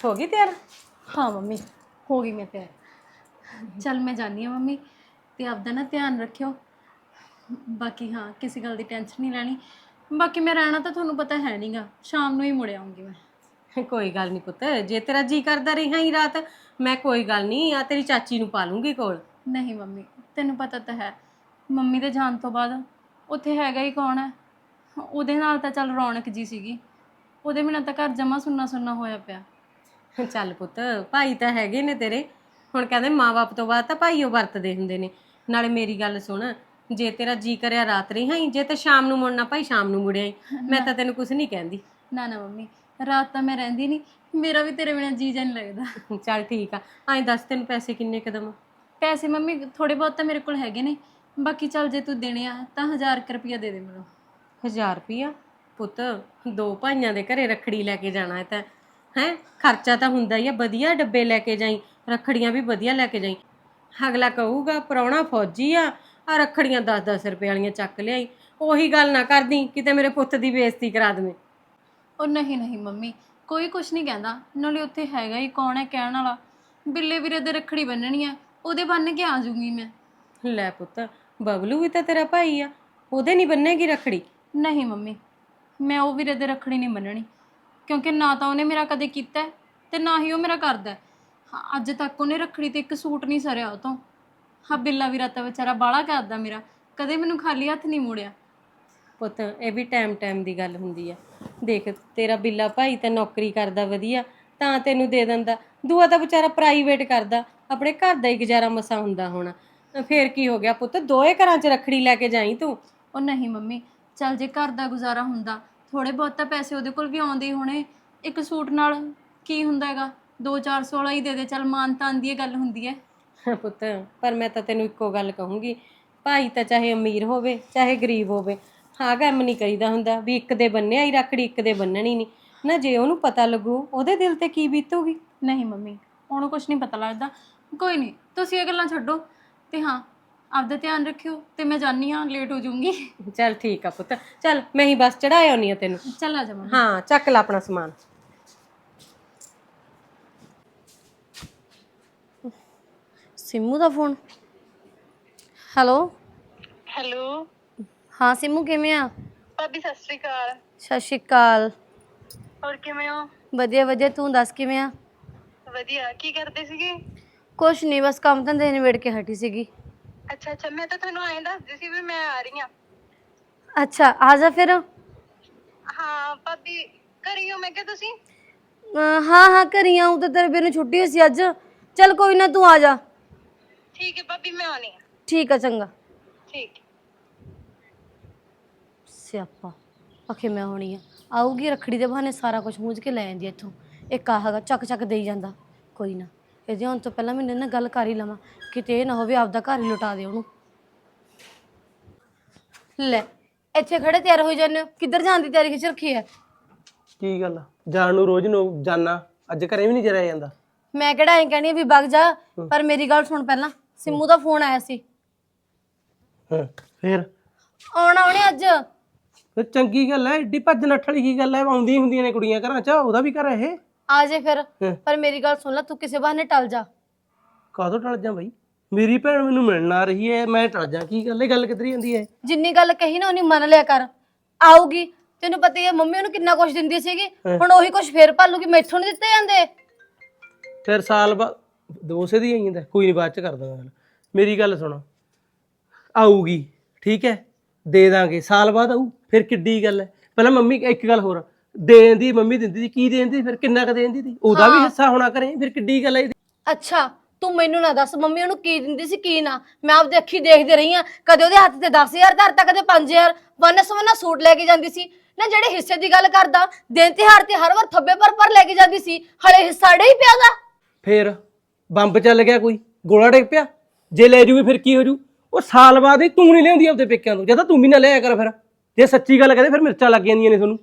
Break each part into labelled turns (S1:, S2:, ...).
S1: ਹੋ ਗਈ ਤਿਆਰ?
S2: हाँ मम्मी हो गई मैं तैयार। चल मैं जानी हाँ मम्मी, ते आपदा ना ध्यान रखियो। बाकी हाँ किसी गल की टेंशन नहीं लैनी। बाकी मैं रहना तो थोनू पता है नहीं गा, शाम नू ही मुड़ आऊँगी मैं।
S1: ਕੋਈ ਗੱਲ ਨਹੀਂ ਪੁੱਤ, ਜੇ ਤੇਰਾ ਜੀ ਕਰਦਾ ਰਿਹਾ ਹੀ ਰਾਤ, ਮੈਂ ਕੋਈ ਗੱਲ ਨਹੀਂ ਆ ਤੇਰੀ ਚਾਚੀ ਨੂੰ ਪਾ ਲੂੰਗੀ ਕੋਲ।
S2: नहीं मम्मी तेनू पता तो है, मम्मी दे जान तो बाद उत्थे हैगा ही कौन है। ਉਹਦੇ ਨਾਲ ਤਾਂ ਚੱਲ ਰੌਣਕ ਜੀ ਸੀਗੀ, ਉਹਦੇ ਬਿਨਾਂ ਤਾਂ ਘਰ ਜਮਾ ਸੁੰਨਾ ਸੁੰਨਾ ਹੋਇਆ ਪਿਆ।
S1: ਚੱਲ ਪੁੱਤ, ਭਾਈ ਤਾਂ ਹੈਗੇ ਨੇ ਤੇਰੇ, ਹੁਣ ਕਹਿੰਦੇ ਮਾਂ-ਬਾਪ ਤੋਂ ਬਾਅਦ ਤਾਂ ਭਾਈ ਉਹ ਵਰਤਦੇ ਹੁੰਦੇ ਨੇ। ਨਾਲੇ ਮੇਰੀ ਗੱਲ ਸੁਣ, ਜੇ ਤੇਰਾ ਜੀ ਕਰਿਆ ਰਾਤ ਰਿਹਾ ਹੀ, ਜੇ ਤੇ ਸ਼ਾਮ ਨੂੰ ਮੁੜਨਾ ਭਾਈ ਸ਼ਾਮ ਨੂੰ ਮੁੜਿਆ ਹੀ, ਮੈਂ ਤਾਂ ਤੈਨੂੰ ਕੁਝ ਨਹੀਂ ਕਹਿੰਦੀ।
S2: ਨਾ ਨਾ ਮੰਮੀ, ਰਾਤ ਤਾਂ ਮੈਂ ਰਹਿੰਦੀ ਨਹੀਂ, ਮੇਰਾ ਵੀ ਤੇਰੇ ਬਿਨਾਂ ਜੀ ਨਹੀਂ ਲੱਗਦਾ।
S1: ਚੱਲ ਠੀਕ ਆ, ਐਂ ਦੱਸ ਤੈਨੂੰ ਪੈਸੇ ਕਿੰਨੇ ਕਦਮ?
S2: ਪੈਸੇ ਮੰਮੀ ਥੋੜੇ ਬਹੁਤ ਤਾਂ ਮੇਰੇ ਕੋਲ ਹੈਗੇ ਨੇ, ਬਾਕੀ ਚੱਲ ਜੇ ਤੂੰ ਦੇਣੇ ਆ ਤਾਂ 1000 ਰੁਪਇਆ ਦੇ ਦੇ ਮੈਨੂੰ।
S1: 1000 ਰੁਪਇਆ? ਪੁੱਤ ਦੋ ਭਾਈਆਂ ਦੇ ਘਰੇ ਰੱਖੜੀ ਲੈ ਕੇ ਜਾਣਾ ਹੈ ਤਾਂ ਹੈ, ਖਰਚਾ ਤਾਂ ਹੁੰਦਾ ਹੀ ਆ। ਵਧੀਆ ਡੱਬੇ ਲੈ ਕੇ ਜਾਈ, ਰੱਖੜੀਆਂ ਵੀ ਵਧੀਆ ਲੈ ਕੇ ਜਾਈ। ਅਗਲਾ ਕਹੂਗਾ ਪ੍ਰਾਹੁਣਾ ਫੌਜੀ ਆ ਰੱਖੜੀਆਂ 10-10 ਰੁਪਏ ਵਾਲੀਆਂ ਚੱਕ ਲਿਆਈ। ਉਹੀ ਗੱਲ ਨਾ ਕਰਦੀ ਕਿਤੇ ਮੇਰੇ ਪੁੱਤ ਦੀ ਬੇਇੱਜ਼ਤੀ ਕਰਾ ਦੇਵੇਂ।
S2: ਉਹ ਨਹੀਂ ਨਹੀਂ ਮੰਮੀ, ਕੋਈ ਕੁਛ ਨਹੀਂ ਕਹਿੰਦਾ, ਨਾਲੇ ਉੱਥੇ ਹੈਗਾ ਹੀ ਕੌਣ ਹੈ ਕਹਿਣ ਵਾਲਾ। ਬਿੱਲੇ ਵੀਰੇ ਦੇ ਰੱਖੜੀ ਬੰਨਣੀ ਆ, ਉਹਦੇ ਬੰਨ ਕੇ ਆ ਜਾਊਂਗੀ ਮੈਂ।
S1: ਲੈ ਪੁੱਤ, ਬਬਲੂ ਵੀ ਤਾਂ ਤੇਰਾ ਭਾਈ ਆ, ਉਹਦੇ ਨਹੀਂ ਬੰਨੇਗੀ ਰੱਖੜੀ?
S2: ਨਹੀਂ ਮੰਮੀ, ਮੈਂ ਉਹ ਵੀਰੇ ਦੇ ਰੱਖੜੀ ਨਹੀਂ ਬੰਨਣੀ, ਕਿਉਂਕਿ ਨਾ ਤਾਂ ਉਹਨੇ ਮੇਰਾ ਕਦੇ ਕੀਤਾ ਤੇ ਨਾ ਹੀ ਉਹ ਮੇਰਾ ਕਰਦਾ। ਅੱਜ ਤੱਕ ਉਹਨੇ ਰੱਖੜੀ ਤੇ ਇੱਕ ਸੂਟ ਨਹੀਂ ਸਰਿਆ ਉਹ ਤੋਂ। ਹਾਂ ਬਿੱਲਾ ਵੀਰਾ ਤਾਂ ਵਿਚਾਰਾ ਬਾਹਲਾ ਕਰਦਾ ਮੇਰਾ, ਕਦੇ ਮੈਨੂੰ ਖਾਲੀ ਹੱਥ ਨਹੀਂ ਮੋੜਿਆ।
S1: ਪੁੱਤ ਇਹ ਵੀ ਟਾਈਮ ਦੀ ਗੱਲ ਹੁੰਦੀ ਆ। ਦੇਖ ਤੇਰਾ ਬਿੱਲਾ ਭਾਈ ਤਾਂ ਨੌਕਰੀ ਕਰਦਾ ਵਧੀਆ, ਤਾਂ ਤੈਨੂੰ ਦੇ ਦਿੰਦਾ। ਦੂਆ ਤਾਂ ਵਿਚਾਰਾ ਪ੍ਰਾਈਵੇਟ ਕਰਦਾ, ਆਪਣੇ ਘਰ ਦਾ ਹੀ ਗੁਜ਼ਾਰਾ ਮਸਾ ਹੁੰਦਾ ਹੋਣਾ। ਫੇਰ ਕੀ ਹੋ ਗਿਆ ਪੁੱਤ, ਦੋਏ ਘਰਾਂ 'ਚ ਰੱਖੜੀ ਲੈ ਕੇ ਜਾਈ ਤੂੰ।
S2: ਉਹ ਨਹੀਂ ਮੰਮੀ, ਚੱਲ ਜੇ ਘਰ ਦਾ ਗੁਜ਼ਾਰਾ ਹੁੰਦਾ, ਥੋੜੇ ਬਹੁਤ ਤਾਂ ਪੈਸੇ ਉਹਦੇ ਕੋਲ ਵੀ ਆਉਂਦੇ ਹੀ ਹੋਣੇ। ਇੱਕ ਸੂਟ ਨਾਲ ਕੀ ਹੁੰਦਾ ਹੈਗਾ, 200-400 ਵਾਲਾ ਹੀ ਦੇ ਦੇ, ਚੱਲ ਮਾਨ ਤਾਨ ਦੀ ਗੱਲ ਹੁੰਦੀ ਹੈ।
S1: ਪੁੱਤ ਪਰ ਮੈਂ ਤਾਂ ਤੈਨੂੰ ਇੱਕੋ ਗੱਲ ਕਹੂੰਗੀ, ਭਾਈ ਤਾਂ ਚਾਹੇ ਅਮੀਰ ਹੋਵੇ ਚਾਹੇ ਗਰੀਬ ਹੋਵੇ, ਹਾਂ ਕੰਮ ਨਹੀਂ ਕਰੀਦਾ ਹੁੰਦਾ ਵੀ ਇੱਕ ਦੇ ਬੰਨਿਆ ਹੀ ਰੱਖੜੀ ਇੱਕ ਦੇ ਬੰਨਣੀ ਨਹੀਂ ਨਾ। ਜੇ ਉਹਨੂੰ ਪਤਾ ਲੱਗੂ ਉਹਦੇ ਦਿਲ ਤੇ ਕੀ ਬੀਤੂਗੀ।
S2: ਨਹੀਂ ਮੰਮੀ, ਉਹਨੂੰ ਕੁਛ ਨਹੀਂ ਪਤਾ ਲੱਗਦਾ। ਕੋਈ ਨਹੀਂ, ਤੁਸੀਂ ਇਹ ਗੱਲਾਂ ਛੱਡੋ ਤੇ ਹਾਂ ਆਪਦਾ ਧਿਆਨ ਰੱਖਿਓ, ਤੇ ਮੈਂ ਜਾਨੀ ਹਾਂ, ਲੇਟ ਹੋ ਜਾਊਂਗੀ।
S1: ਚੱਲ ਠੀਕ ਆ ਪੁੱਤ, ਚੱਲ ਮੈਂ ਹੀ ਬਸ ਚੜਾ ਆਉਣੀ ਆ ਤੈਨੂੰ।
S2: ਚੱਲ ਆ ਜਾ ਮੰਮੀ।
S1: ਹਾਂ ਚੱਕ ਲੈ ਆਪਣਾ ਸਮਾਨ।
S3: ਸਿੰਮੂ ਦਾ ਫੋਨ। ਹੈਲੋ
S4: ਹੈਲੋ
S3: ਹਾਂ ਸਿੰਮੂ, ਕਿਵੇਂ ਆ?
S4: ਭਾਬੀ ਸਤਿ ਸ਼੍ਰੀ ਅਕਾਲ।
S3: ਸਤਿ ਸ਼੍ਰੀ ਅਕਾਲ।
S4: ਹੋਰ ਕਿਵੇਂ ਹੋ?
S3: ਵਧੀਆ ਵਧੀਆ, ਤੂੰ ਦੱਸ ਕਿਵੇਂ ਆ?
S4: ਵਧੀਆ। ਕੀ ਕਰਦੇ ਸੀਗੇ?
S3: ਕੁਛ ਨਹੀਂ, ਬਸ ਕੰਮ ਧੰਦੇ ਨਿਬੇੜ ਕੇ ਹਟੀ ਸੀਗੀ।
S4: ਅੱਛਾ ਅੱਛਾ, ਮੈਂ ਤਾਂ ਤੁਹਾਨੂੰ ਐਂ ਦੱਸਦੀ ਸੀ ਵੀ ਮੈਂ ਆ ਰਹੀ ਹਾਂ।
S3: ਅੱਛਾ ਆ ਜਾ ਫਿਰ।
S4: ਹਾਂ ਭਾਬੀ, ਘਰੇ ਹੋ ਮੈਂ ਕਿਹਾ ਤੁਸੀਂ?
S3: ਹਾਂ ਹਾਂ ਘਰੀ ਆਊਂ, ਤਾਂ ਤੇਰੇ ਵੀਰ ਨੂੰ ਛੁੱਟੀ ਹੋਈ ਸੀ ਅੱਜ। ਚੱਲ ਕੋਈ ਨਾ, ਤੂੰ ਆ ਜਾ।
S4: ਠੀਕ ਹੈ ਭਾਬੀ, ਮੈਂ ਆਉਣੀ ਹਾਂ।
S3: ਠੀਕ ਆ, ਚੰਗਾ।
S4: ਠੀਕ।
S3: ਸਿਆਪਾ ਆਖੇ ਮੈਂ ਹੋਣੀ ਆ, ਆਊਗੀ ਰੱਖੜੀ ਦੇ ਬਹਾਨੇ ਸਾਰਾ ਕੁਝ ਮੂੰਝ ਕੇ ਲੈ ਜਾਂਦੀ ਇੱਥੋਂ। ਇੱਕ ਆਹਗਾ ਚੱਕ ਚੱਕ ਦੇਈ ਜਾਂਦਾ। ਕੋਈ ਨਾ, ਇਹਦੇ ਹੁਣ ਤੋਂ ਪਹਿਲਾਂ ਮੈਨੂੰ ਨਾ ਗੱਲ ਕਰ ਹੀ ਲਵਾਂ, ਕਿਤੇ ਇਹ ਨਾ ਹੋਵੇ ਆਪਦਾ ਘਰ ਹੀ ਲੁਟਾ ਦੇ ਉਹਨੂੰ। ਲੈ ਇੱਥੇ ਖੜੇ ਤਿਆਰ ਹੋਈ ਜਾਂਦੇ ਹੋ, ਕਿੱਧਰ ਜਾਣ ਦੀ ਤਿਆਰੀ ਖਿੱਚ ਰੱਖੀ ਹੈ?
S5: ਕੀ ਗੱਲ ਜਾਣ ਨੂੰ ਰੋਜ਼ ਨੂੰ ਜਾਣਾ, ਅੱਜ ਘਰੇ ਵੀ ਨਹੀਂ ਜਰਿਆ ਜਾਂਦਾ?
S3: ਮੈਂ ਕਿਹੜਾ ਐਂ ਕਹਿਣੀ ਵੀ ਵਗ ਜਾ, ਪਰ ਮੇਰੀ ਗੱਲ ਸੁਣ ਪਹਿਲਾਂ। ਸਿੰਮੂ ਦਾ ਫੋਨ ਆਇਆ ਸੀ।
S5: ਫੇਰ
S3: ਆਉਣਾ ਉਹਨੇ ਅੱਜ।
S5: ਫਿਰ ਚੰਗੀ ਗੱਲ ਹੈ, ਏਡੀ ਭੱਜ ਨੱਠ ਵਾਲੀ ਕੀ ਗੱਲ ਹੈ? ਆਉਂਦੀਆਂ ਹੁੰਦੀਆਂ ਨੇ ਕੁੜੀਆਂ ਘਰਾਂ 'ਚ, ਉਹਦਾ ਵੀ ਘਰ ਇਹ।
S3: ਆ ਜੇ ਫਿਰ, ਪਰ ਮੇਰੀ ਗੱਲ ਸੁਣ ਲੈ, ਤੂੰ ਕਿਸੇ ਬਹਾਨੇ ਟਲ ਜਾ।
S5: ਕਾਹਦੋਂ ਟਲ ਜਾ ਬਈ? ਮੇਰੀ ਭੈਣ ਮੈਨੂੰ ਮਿਲਣ ਆ ਰਹੀ ਹੈ, ਮੈਂ ਟਲ ਜਾ? ਕੀ ਗੱਲ ਹੈ, ਗੱਲ ਕਿੱਧਰ ਜਾਂਦੀ ਹੈ?
S3: ਜਿੰਨੀ ਗੱਲ ਕਹੀ ਨਾ ਉਨੀ ਮੰਨ ਲਿਆ ਕਰ। ਆਊਗੀ, ਤੈਨੂੰ ਪਤਾ ਹੀ ਹੈ ਮੰਮੀ ਉਹਨੂੰ ਕਿੰਨਾ ਕੁਛ ਦਿੰਦੀ ਸੀਗੀ, ਹੁਣ ਉਹੀ ਕੁਛ ਫੇਰ ਭਾਲੂਗੀ। ਮੈਥੋਂ ਨਹੀਂ ਦਿੱਤੇ ਜਾਂਦੇ।
S5: ਫਿਰ ਸਾਲ ਬਾਅਦ ਦੋਸੇ ਦੀ ਆਈ ਜਾਂਦਾ। ਕੋਈ ਨਹੀਂ, ਬਾਅਦ 'ਚ ਕਰ ਦਾਂਗਾ ਗੱਲ। ਮੇਰੀ ਗੱਲ ਸੁਣ, ਆਊਗੀ ਠੀਕ ਹੈ, ਦੇ ਦਾਂਗੇ, ਸਾਲ ਬਾਅਦ ਆਊ, ਫਿਰ ਕਿੱਡੀ ਗੱਲ ਹੈ? ਪਹਿਲਾਂ ਮੰਮੀ ਇੱਕ ਗੱਲ ਹੋਰ, ਦੇਣ ਦੀ ਮੰਮੀ ਦਿੰਦੀ ਸੀ, ਕੀ ਦੇਂਦੀ ਫਿਰ? ਕਿੰਨਾ ਕੁ ਦੇਂਦੀ ਸੀ? ਉਹਦਾ ਵੀ ਹਿੱਸਾ ਹੋਣਾ ਕਰੇ, ਫਿਰ ਕਿੱਡੀ ਗੱਲ ਹੈ?
S3: ਅੱਛਾ ਤੂੰ ਮੈਨੂੰ ਨਾ ਦੱਸ ਮੰਮੀ ਉਹਨੂੰ ਕੀ ਦਿੰਦੀ ਸੀ ਕੀ ਨਾ। ਮੈਂ ਆਪਦੀ ਅੱਖੀ ਦੇਖਦੀ ਰਹੀ ਆ, ਕਦੇ ਉਹਦੇ ਹੱਥ ਤੇ 10,000 ਧਰਤਾ, ਕਦੇ 5,000। ਵੰਨ ਸਵੰਨਾ ਸੂਟ ਲੈ ਕੇ ਜਾਂਦੀ ਸੀ ਨਾ। ਜਿਹੜੇ ਹਿੱਸੇ ਦੀ ਗੱਲ ਕਰਦਾ, ਦਿਨ ਤਿਉਹਾਰ ਤੇ ਹਰ ਵਾਰ ਥੱਬੇ ਪਰ ਲੈ ਕੇ ਜਾਂਦੀ ਸੀ, ਹਲੇ ਹਿੱਸਾ ਡੇ ਹੀ ਪਿਆਗਾ।
S5: ਫਿਰ ਬੰਬ ਚੱਲ ਗਿਆ, ਕੋਈ ਗੋਲਾ ਡਿੱਗ ਪਿਆ, ਜੇ ਲੈ ਜੂਗੀ ਫਿਰ ਕੀ ਹੋ ਜੂ? ਉਹ ਸਾਲ ਬਾਅਦ ਹੀ ਤੂੰ ਨਹੀਂ ਲਿਆਉਂਦੀ ਆਪਦੇ ਪੇਕਿਆਂ ਤੋਂ, ਜਦੋਂ ਤੂੰ ਵੀ ਨਾ ਲਿਆਇਆ ਕਰ। ਫਿਰ ਜੇ ਸੱਚੀ ਗੱਲ ਕਹਦੇ ਫਿਰ ਮਿਰਚਾਂ ਲੱਗ ਜਾਂਦੀਆਂ ਨੇ ਤੁਹਾਨੂੰ।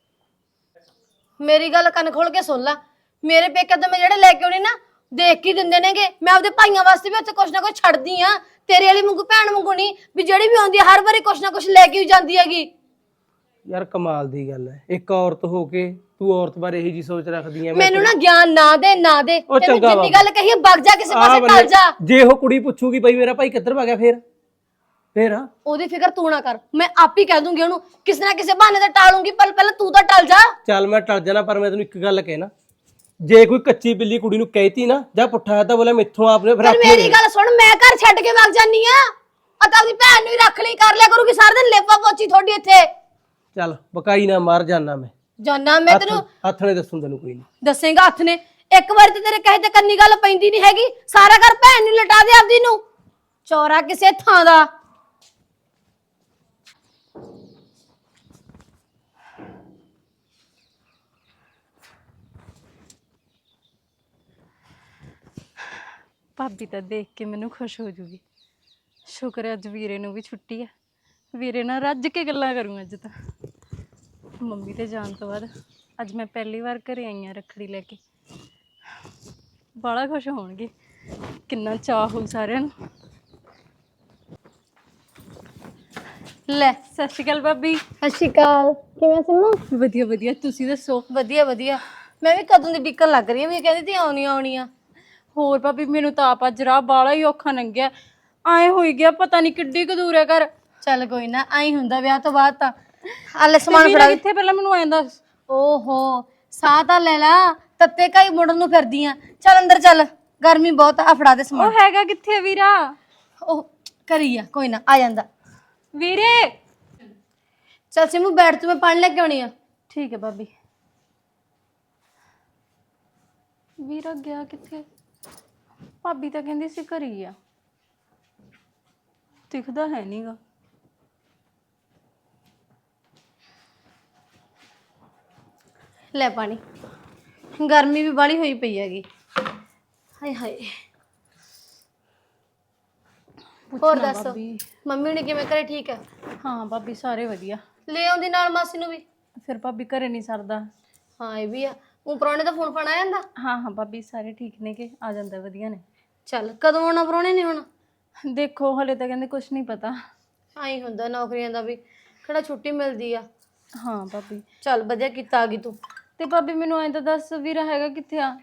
S3: ਮੇਰੀ ਗੱਲ ਕੰਨ ਖੋਲ ਕੇ ਸੁਣ ਲੈ, ਮੇਰੇ ਪੇਕੇ ਤੋਂ ਮੈਂ ਜਿਹੜੇ ਲੈ ਕੇ ਆਉਣੀ ਨਾ, ਦੇਖ ਕੇ ਦਿੰਦੇ ਨੇਗੇ। ਮੈਂ ਆਪਦੇ ਭਾਈਆਂ ਵਾਸਤੇ ਵੀ ਉੱਥੇ ਕੁਛ ਨਾ ਕੁਛ ਛੱਡਦੀ ਆ, ਤੇਰੇ ਵਾਲੀ ਵਾਂਗੂ ਭੈਣ ਵਾਂਗੂ ਨਹੀਂ ਵੀ ਜਿਹੜੀ ਵੀ ਆਉਂਦੀ ਆ ਹਰ ਵਾਰੀ ਕੁਛ ਨਾ ਕੁਛ ਲੈ ਕੇ ਹੀ ਜਾਂਦੀ ਹੈਗੀ।
S5: ਯਾਰ ਕਮਾਲ ਦੀ ਗੱਲ ਹੈ, ਇੱਕ ਔਰਤ ਹੋ ਕੇ ਤੂੰ ਔਰਤ ਬਾਰੇ ਇਹੀ ਜੀ ਸੋਚ ਰੱਖਦੀ ਐ
S3: ਮੈਨੂੰ ਨਾ ਗਿਆਨ ਨਾ ਦੇ ਨਾ ਦੇ
S5: ਉਹ
S3: ਤੈਨੂੰ
S5: ਚੰਗਾ
S3: ਜਿੰਨੀ
S5: ਵਾ।
S3: ਗੱਲ ਕਹੀ ਹੈ, ਵਗ ਜਾ ਕਿਸੇ
S5: ਆਹ
S3: ਪਾਸੇ
S5: ਬੰਦੇ-
S3: ਟਲ ਜਾ।
S5: ਜੇ ਉਹ ਕੁੜੀ ਪੁੱਛੂਗੀ ਬਈ ਮੇਰਾ ਭਾਈ ਕਿੱਧਰ ਭਾ ਗਿਆ ਫੇਰ
S3: ਉਹਦੀ ਫਿਕਰ ਤੂੰ ਨਾ ਕਰ, ਮੈਂ ਆਪ ਹੀ ਕਹਿ ਦੂੰਗੀ ਉਹਨੂੰ, ਕਿਸੇ ਨਾ ਕਿਸੇ ਬਹਾਨੇ ਤੇ ਟਾਲੂੰਗੀ, ਪਰ ਪਹਿਲਾਂ ਤੂੰ ਤਾਂ ਟਲ ਜਾ।
S5: ਚੱਲ ਮੈਂ ਟਲ ਜਾਣਾ, ਪਰ ਮੈਂ ਤੈਨੂੰ ਇੱਕ ਗੱਲ ਕਹਿਣਾ, ਜੇ ਕੋਈ ਕੱਚੀ ਬਿੱਲੀ ਕੁੜੀ ਨੂੰ ਕਹਿਤੀ ਨਾ ਜਾਂ ਪੁੱਠਾ ਤਾਂ ਬੋਲੇ ਮੈਥੋਂ ਆਪਨੇ ਫਿਰ
S3: ਪਰ ਮੇਰੀ ਗੱਲ ਸੁਣ, ਮੈਂ ਘਰ ਛੱਡ ਕੇ ਵਗ ਜਾਨੀ ਆ, ਤਾਂ ਆਪਣੀ ਭੈਣ ਨੂੰ ਹੀ ਰੱਖ ਲਈ, ਕਰ ਲਿਆ ਕਰੂਗੀ ਸਾਰਾ ਦਿਨ ਲੇਪਾ ਪੋਚੀ ਤੁਹਾਡੀ ਇੱਥੇ।
S5: ਚੱਲ ਬਕਾਈ ਨਾ ਮਾਰ ਜਾਨਾ ਮੈਂ,
S3: ਜਾਨਾ ਮੈਂ ਤੈਨੂੰ
S5: ਹੱਥ ਨੇ ਦੱਸੂ ਤੈਨੂੰ ਕੋਈ ਨਹੀਂ।
S3: ਦੱਸੇਗਾ ਹੱਥ ਨੇ, ਇੱਕ ਵਾਰ ਤੇ ਤੇਰੇ ਕਹੇ ਤੇ ਕੰਨੀ ਗੱਲ ਪੈਂਦੀ ਨਹੀਂ ਹੈਗੀ, ਸਾਰਾ ਘਰ ਭੈਣ ਨੂੰ ਲਟਾ ਦੇ ਆਪਦੀ ਨੂੰ, ਚੌਰਾ ਕਿਸੇ ਥਾਂ ਦਾ।
S2: ਭਾਬੀ ਤਾਂ ਦੇਖ ਕੇ ਮੈਨੂੰ ਖੁਸ਼ ਹੋ ਜੂਗੀ। ਸ਼ੁਕਰ ਹੈ ਅੱਜ ਵੀਰੇ ਨੂੰ ਵੀ ਛੁੱਟੀ ਹੈ, ਵੀਰੇ ਨਾਲ ਰੱਜ ਕੇ ਗੱਲਾਂ ਕਰੂੰ ਅੱਜ ਤਾਂ। ਮੰਮੀ ਤੇ ਜਾਣ ਤੋਂ ਬਾਅਦ ਅੱਜ ਮੈਂ ਪਹਿਲੀ ਵਾਰ ਘਰੇ ਆਈ ਹਾਂ ਰੱਖੜੀ ਲੈ ਕੇ। ਬੜਾ ਖੁਸ਼ ਹੋਣਗੇ, ਕਿੰਨਾ ਚਾਅ ਹੋਊ ਸਾਰਿਆਂ ਨੂੰ। ਲੈ ਸਤਿ ਸ਼੍ਰੀ ਅਕਾਲ ਭਾਬੀ।
S3: ਸਤਿ ਸ਼੍ਰੀ ਅਕਾਲ, ਕਿਵੇਂ ਸਿੰਮੂ?
S2: ਵਧੀਆ ਵਧੀਆ, ਤੁਸੀਂ ਦੱਸੋ?
S3: ਵਧੀਆ ਵਧੀਆ, ਮੈਂ ਵੀ ਕਦੋਂ ਦੀ ਡਿੱਕਣ ਲੱਗ ਰਹੀ ਹਾਂ, ਵੀ ਕਹਿੰਦੀ ਤੀ ਆਉਣੀ ਆਉਣੀ ਆ।
S2: ਹੋਰ ਭਾਬੀ ਮੈਨੂੰ ਤਾਂ ਆਪ ਅੱਜ ਰਾਹ ਬਾਲਾ ਹੀ ਔਖਾ ਲੰਘਿਆ, ਆਏ ਹੋਈ ਗਿਆ ਪਤਾ ਨਹੀਂ ਕਿੱਡੀ ਕੁ ਦੂਰ ਹੈ ਘਰ।
S3: ਚੱਲ ਕੋਈ ਨਾ, ਆਈ ਹੁੰਦਾ ਵਿਆਹ ਤੋਂ ਬਾਅਦ ਤਾਂ। ਆਲੇ ਸਮਾਨ
S2: ਵੀਰਾ
S3: ਫੜਾ।
S2: ਕਿੱਥੇ ਪਹਿਲਾਂ ਮੈਨੂੰ ਐਂ ਦੱਸ।
S3: ਓਹੋ, ਸਾਹ ਤਾਂ ਲੈ ਲਾ, ਤੱਤੇ ਕਾਈ ਮੁੜਨ ਨੂੰ ਫਿਰਦੀ ਆ। ਚੱਲ ਅੰਦਰ ਚੱਲ, ਗਰਮੀ ਬਹੁਤ ਆ, ਫੜਾ ਦੇ ਸਮਾਨ।
S2: ਉਹ ਹੈਗਾ ਕਿੱਥੇ ਵੀਰਾ?
S3: ਉਹ ਕਰੀ ਆ, ਕੋਈ ਨਾ ਆ ਜਾਂਦਾ।
S2: ਵੀਰੇ
S3: ਚੱਲ ਸਿੰਮੂ ਬੈਠ, ਤੂੰ, ਮੈਂ ਪਾਣੀ ਲੈ ਕੇ ਆਉਣੀ ਆ।
S2: ਠੀਕ ਹੈ ਭਾਬੀ। ਵੀਰਾ ਗਿਆ ਕਿੱਥੇ? ਭਾਬੀ ਤਾਂ ਕਹਿੰਦੀ ਸੀ ਘਰੇ ਹੀ ਆ, ਦਿਖਦਾ ਹੈ ਨਹੀਂਗਾ।
S3: ਲੈ ਪਾਣੀ, ਗਰਮੀ ਵੀ ਬਾਹਲੀ ਹੋਈ ਪਈ ਹੈਗੀ। ਹਾਏ ਹਾਏ। ਹੋਰ ਦੱਸ,
S2: ਭਾਬੀ
S3: ਮੰਮੀ ਨੇ ਕਿਵੇਂ, ਘਰੇ ਠੀਕ ਹੈ?
S2: ਹਾਂ ਭਾਬੀ ਸਾਰੇ ਵਧੀਆ।
S3: ਲੈ ਆਉਂਦੀ ਨਾਲ ਮਾਸੀ ਨੂੰ ਵੀ।
S2: ਫਿਰ ਭਾਬੀ ਘਰੇ ਨਹੀਂ ਸਰਦਾ।
S3: ਹਾਂ ਇਹ ਵੀ ਆ, ਉਹ ਪ੍ਰਾਹੁਣੇ ਦਾ ਫੋਨ ਫਾਨ ਆ ਜਾਂਦਾ?
S2: ਹਾਂ ਹਾਂ ਭਾਬੀ ਸਾਰੇ ਠੀਕ ਨੇ, ਕਿ ਆ ਜਾਂਦਾ ਵਧੀਆ ਨੇ।
S3: ਚੱਲ ਕਦੋਂ ਆਉਣਾ ਪ੍ਰਾਹੁਣੇ ਨੇ ਹੁਣ?
S2: ਦੇਖੋ ਹਲੇ ਤਾਂ ਕਹਿੰਦੇ ਕੁਝ ਨਹੀਂ ਪਤਾ।
S3: ਆਈ ਹੁੰਦਾ ਨੌਕਰੀਆਂ ਦਾ ਵੀ, ਕਿਹੜਾ ਛੁੱਟੀ ਮਿਲਦੀ ਆ।
S2: ਹਾਂ ਭਾਬੀ।
S3: ਚੱਲ ਵਧੀਆ ਕੀਤਾ ਆ ਗਈ ਤੂੰ।
S2: ਤੇ ਭਾਬੀ ਮੈਨੂੰ ਐਂ ਤਾਂ ਦੱਸ, ਵੀਰਾ ਹੈਗਾ ਕਿੱਥੇ ਆ?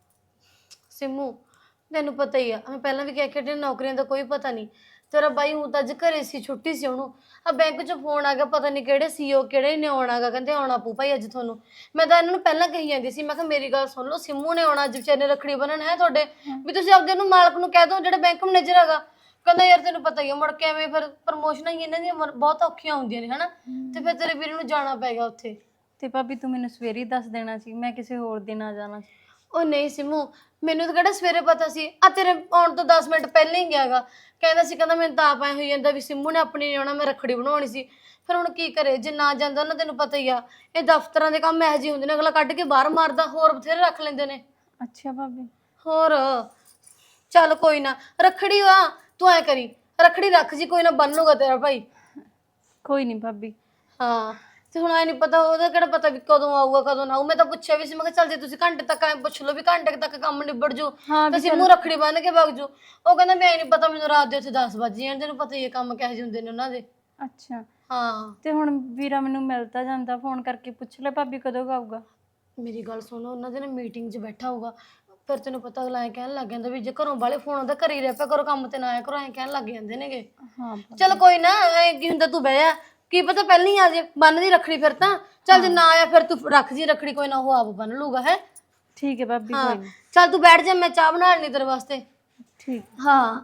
S3: ਸਿੰਮੂ ਤੈਨੂੰ ਪਤਾ ਹੀ ਆ, ਮੈਂ ਪਹਿਲਾਂ ਵੀ ਕਹਿ ਕੇ ਨੌਕਰੀਆਂ ਦਾ ਕੋਈ ਪਤਾ ਨਹੀਂ। ਤੇਰਾ ਬਾਈ ਹੁਣ ਤਾਂ ਅੱਜ ਘਰੇ ਸੀ, ਛੁੱਟੀ ਸੀ ਉਹਨੂੰ। ਆ ਬੈਂਕ 'ਚ ਫੋਨ ਆ ਗਿਆ, ਪਤਾ ਨਹੀਂ ਕਿਹੜੇ ਸੀਓ ਕਿਹੜੇ ਨੇ ਆਉਣਾਗਾ, ਕਹਿੰਦੇ ਆਉਣਾ ਪੂ ਭਾਈ ਅੱਜ ਤੁਹਾਨੂੰ। ਮੈਂ ਤਾਂ ਇਹਨਾਂ ਨੂੰ ਪਹਿਲਾਂ ਕਹੀ ਜਾਂਦੀ ਸੀ, ਮੈਂ ਕਿਹਾ ਮੇਰੀ ਗੱਲ ਸੁਣ ਲਓ, ਸਿੰਮੂ ਨੇ ਆਉਣਾ ਅੱਜ, ਵਿਚਾਰੇ ਨੇ ਰੱਖੜੀ ਬੰਨਣ ਹੈ ਤੁਹਾਡੇ, ਵੀ ਤੁਸੀਂ ਆਪਦੇ ਨੂੰ ਮਾਲਕ ਨੂੰ ਕਹਿ ਦਿਓ ਜਿਹੜਾ ਬੈਂਕ ਮੈਨੇਜਰ ਹੈਗਾ। ਕਹਿੰਦਾ ਯਾਰ ਤੈਨੂੰ ਪਤਾ ਹੀ ਆ, ਮੁੜ ਕੇ ਐਵੇਂ ਫਿਰ ਪ੍ਰਮੋਸ਼ਨਾਂ ਹੀ ਇਹਨਾਂ ਦੀਆਂ ਬਹੁਤ ਔਖੀਆਂ ਹੁੰਦੀਆਂ ਨੇ ਹਨਾ, ਤੇ ਫਿਰ ਤੇਰੇ ਵੀਰ ਨੂੰ ਜਾਣਾ ਪਏਗਾ ਉੱਥੇ।
S2: ਤੇ ਭਾਬੀ ਤੂੰ ਮੈਨੂੰ ਸਵੇਰੇ ਹੀ ਦੱਸ ਦੇਣਾ ਸੀ, ਮੈਂ ਕਿਸੇ ਹੋਰ ਦਿਨ ਆ ਜਾਣਾ ਸੀ।
S3: ਉਹ ਨਹੀਂ ਸਿੰਮੂ, ਮੈਨੂੰ ਤਾਂ ਕਿਹੜਾ ਸਵੇਰੇ ਪਤਾ ਸੀ, ਆ ਤੇਰੇ ਆਉਣ ਤੋਂ 10 ਮਿੰਟ ਪਹਿਲਾਂ ਹੀ ਗਿਆਗਾ। ਕਹਿੰਦਾ ਸੀ, ਕਹਿੰਦਾ ਮੈਨੂੰ ਤਾਂ ਆਪ ਐ ਹੋਈ ਜਾਂਦਾ ਵੀ ਸਿੰਮੂ ਨੇ ਆਪਣੀ ਨਹੀਂ ਆਉਣਾ, ਮੈਂ ਰੱਖੜੀ ਬਣਾਉਣੀ ਸੀ। ਫਿਰ ਹੁਣ ਕੀ ਕਰੇ, ਜੇ ਨਾ ਜਾਂਦਾ ਨਾ, ਤੈਨੂੰ ਪਤਾ ਹੀ ਆ ਇਹ ਦਫ਼ਤਰਾਂ ਦੇ ਕੰਮ ਇਹੋ ਜਿਹੇ ਹੁੰਦੇ ਨੇ, ਅਗਲਾ ਕੱਢ ਕੇ ਬਾਹਰ ਮਾਰਦਾ, ਹੋਰ ਬਥੇਰੇ ਰੱਖ ਲੈਂਦੇ ਨੇ।
S2: ਅੱਛਾ ਭਾਬੀ।
S3: ਹੋਰ ਚੱਲ ਕੋਈ ਨਾ, ਰੱਖੜੀ ਵਾ ਤੂੰ ਐ ਕਰੀ, ਰੱਖੜੀ ਰੱਖ ਜੀ, ਕੋਈ ਨਾ ਬੰਨ ਲੂਗਾ ਤੇਰਾ ਭਾਈ।
S2: ਕੋਈ ਨਹੀਂ ਭਾਬੀ।
S3: ਹਾਂ ਤੇ ਹੁਣ ਐ ਨਹੀਂ ਪਤਾ, ਉਹਦਾ ਕਿਹੜਾ ਪਤਾ ਵੀ ਕਦੋਂ ਆਊਗਾ ਕਦੋਂ ਨਾ ਆਊ। ਮੈਂ ਤਾਂ ਪੁੱਛਿਆ ਵੀ ਸੀ, ਮੈਂ ਕਿਹਾ ਚੱਲ ਜੇ ਤੁਸੀਂ ਘੰਟੇ ਤੱਕ ਐ ਪੁੱਛ ਲਓ ਵੀ ਘੰਟੇ ਤੱਕ ਕੰਮ ਨਿਬੜ ਜੂ ਤਾਂ ਸਿੰਮੂ ਰੱਖੜੀ ਬੰਨ ਕੇ ਵਗ ਜੂ। ਉਹ ਕਹਿੰਦਾ ਵੀ ਐ ਨਹੀਂ ਪਤਾ ਮੈਨੂੰ, ਰਾਤ ਦੇ ਉੱਥੇ 10 ਵਜੇ ਜਾਣ, ਤੈਨੂੰ ਪਤਾ ਹੀ ਹੈ ਕੰਮ ਕਿਹੋ ਜਿਹੇ ਹੁੰਦੇ ਨੇ ਉਹਨਾਂ ਦੇ।
S2: ਅੱਛਾ
S3: ਹਾਂ
S2: ਤੇ ਹੁਣ ਵੀਰਾ ਮੈਨੂੰ ਮਿਲਦਾ ਜਾਂਦਾ, ਫੋਨ ਕਰਕੇ ਪੁੱਛ ਲੈ ਭਾਬੀ ਕਦੋਂ ਕੁ ਆਊਗਾ।
S3: ਮੇਰੀ ਗੱਲ ਸੁਣੋ, ਉਹਨਾਂ ਦੇ ਨਾ ਮੀਟਿੰਗ 'ਚ ਬੈਠਾ ਹੋਊਗਾ, ਫਿਰ ਤੈਨੂੰ ਪਤਾ ਅਗਲਾ ਐਂ ਕਹਿਣ ਲੱਗ ਜਾਂਦਾ ਵੀ ਜੇ ਘਰੋਂ ਵਾਲੇ ਫੋਨ ਆਉਂਦਾ ਘਰੇ ਹੀ ਰਹਿ ਪਿਆ ਕਰੋ, ਕੰਮ ਤੇ ਨਾ ਆਇਆ ਕਰੋ, ਐਂ ਕਹਿਣ ਲੱਗ ਜਾਂਦੇ ਨੇਗੇ।
S2: ਹਾਂ
S3: ਚੱਲ ਕੋਈ ਨਾ, ਐ ਕੀ ਹੁੰਦਾ, ਤੂੰ ਬਹਿ ਜਾ, ਕੀ ਪਤਾ ਪਹਿਲਾਂ ਹੀ ਆ ਜੇ ਬੰਨ ਦੀ ਰੱਖੜੀ। ਫਿਰ ਤਾਂ ਚੱਲ ਜੇ ਨਾ ਆਇਆ ਫਿਰ ਤੂੰ ਰੱਖ ਜੀ ਰੱਖੜੀ, ਕੋਈ ਨਾ ਉਹ ਆਪ ਬੰਨ ਲੂਗਾ ਹੈ।
S2: ਠੀਕ ਹੈ ਭਾਬੀ।
S3: ਹਾਂ
S2: ਕੋਈ ਨਹੀਂ।
S3: ਚੱਲ ਤੂੰ ਬੈਠ ਜਾ, ਮੈਂ ਚਾਹ ਬਣਾ ਲੈਣੀ ਤੇਰੇ ਵਾਸਤੇ।
S2: ਠੀਕ।
S3: ਹਾਂ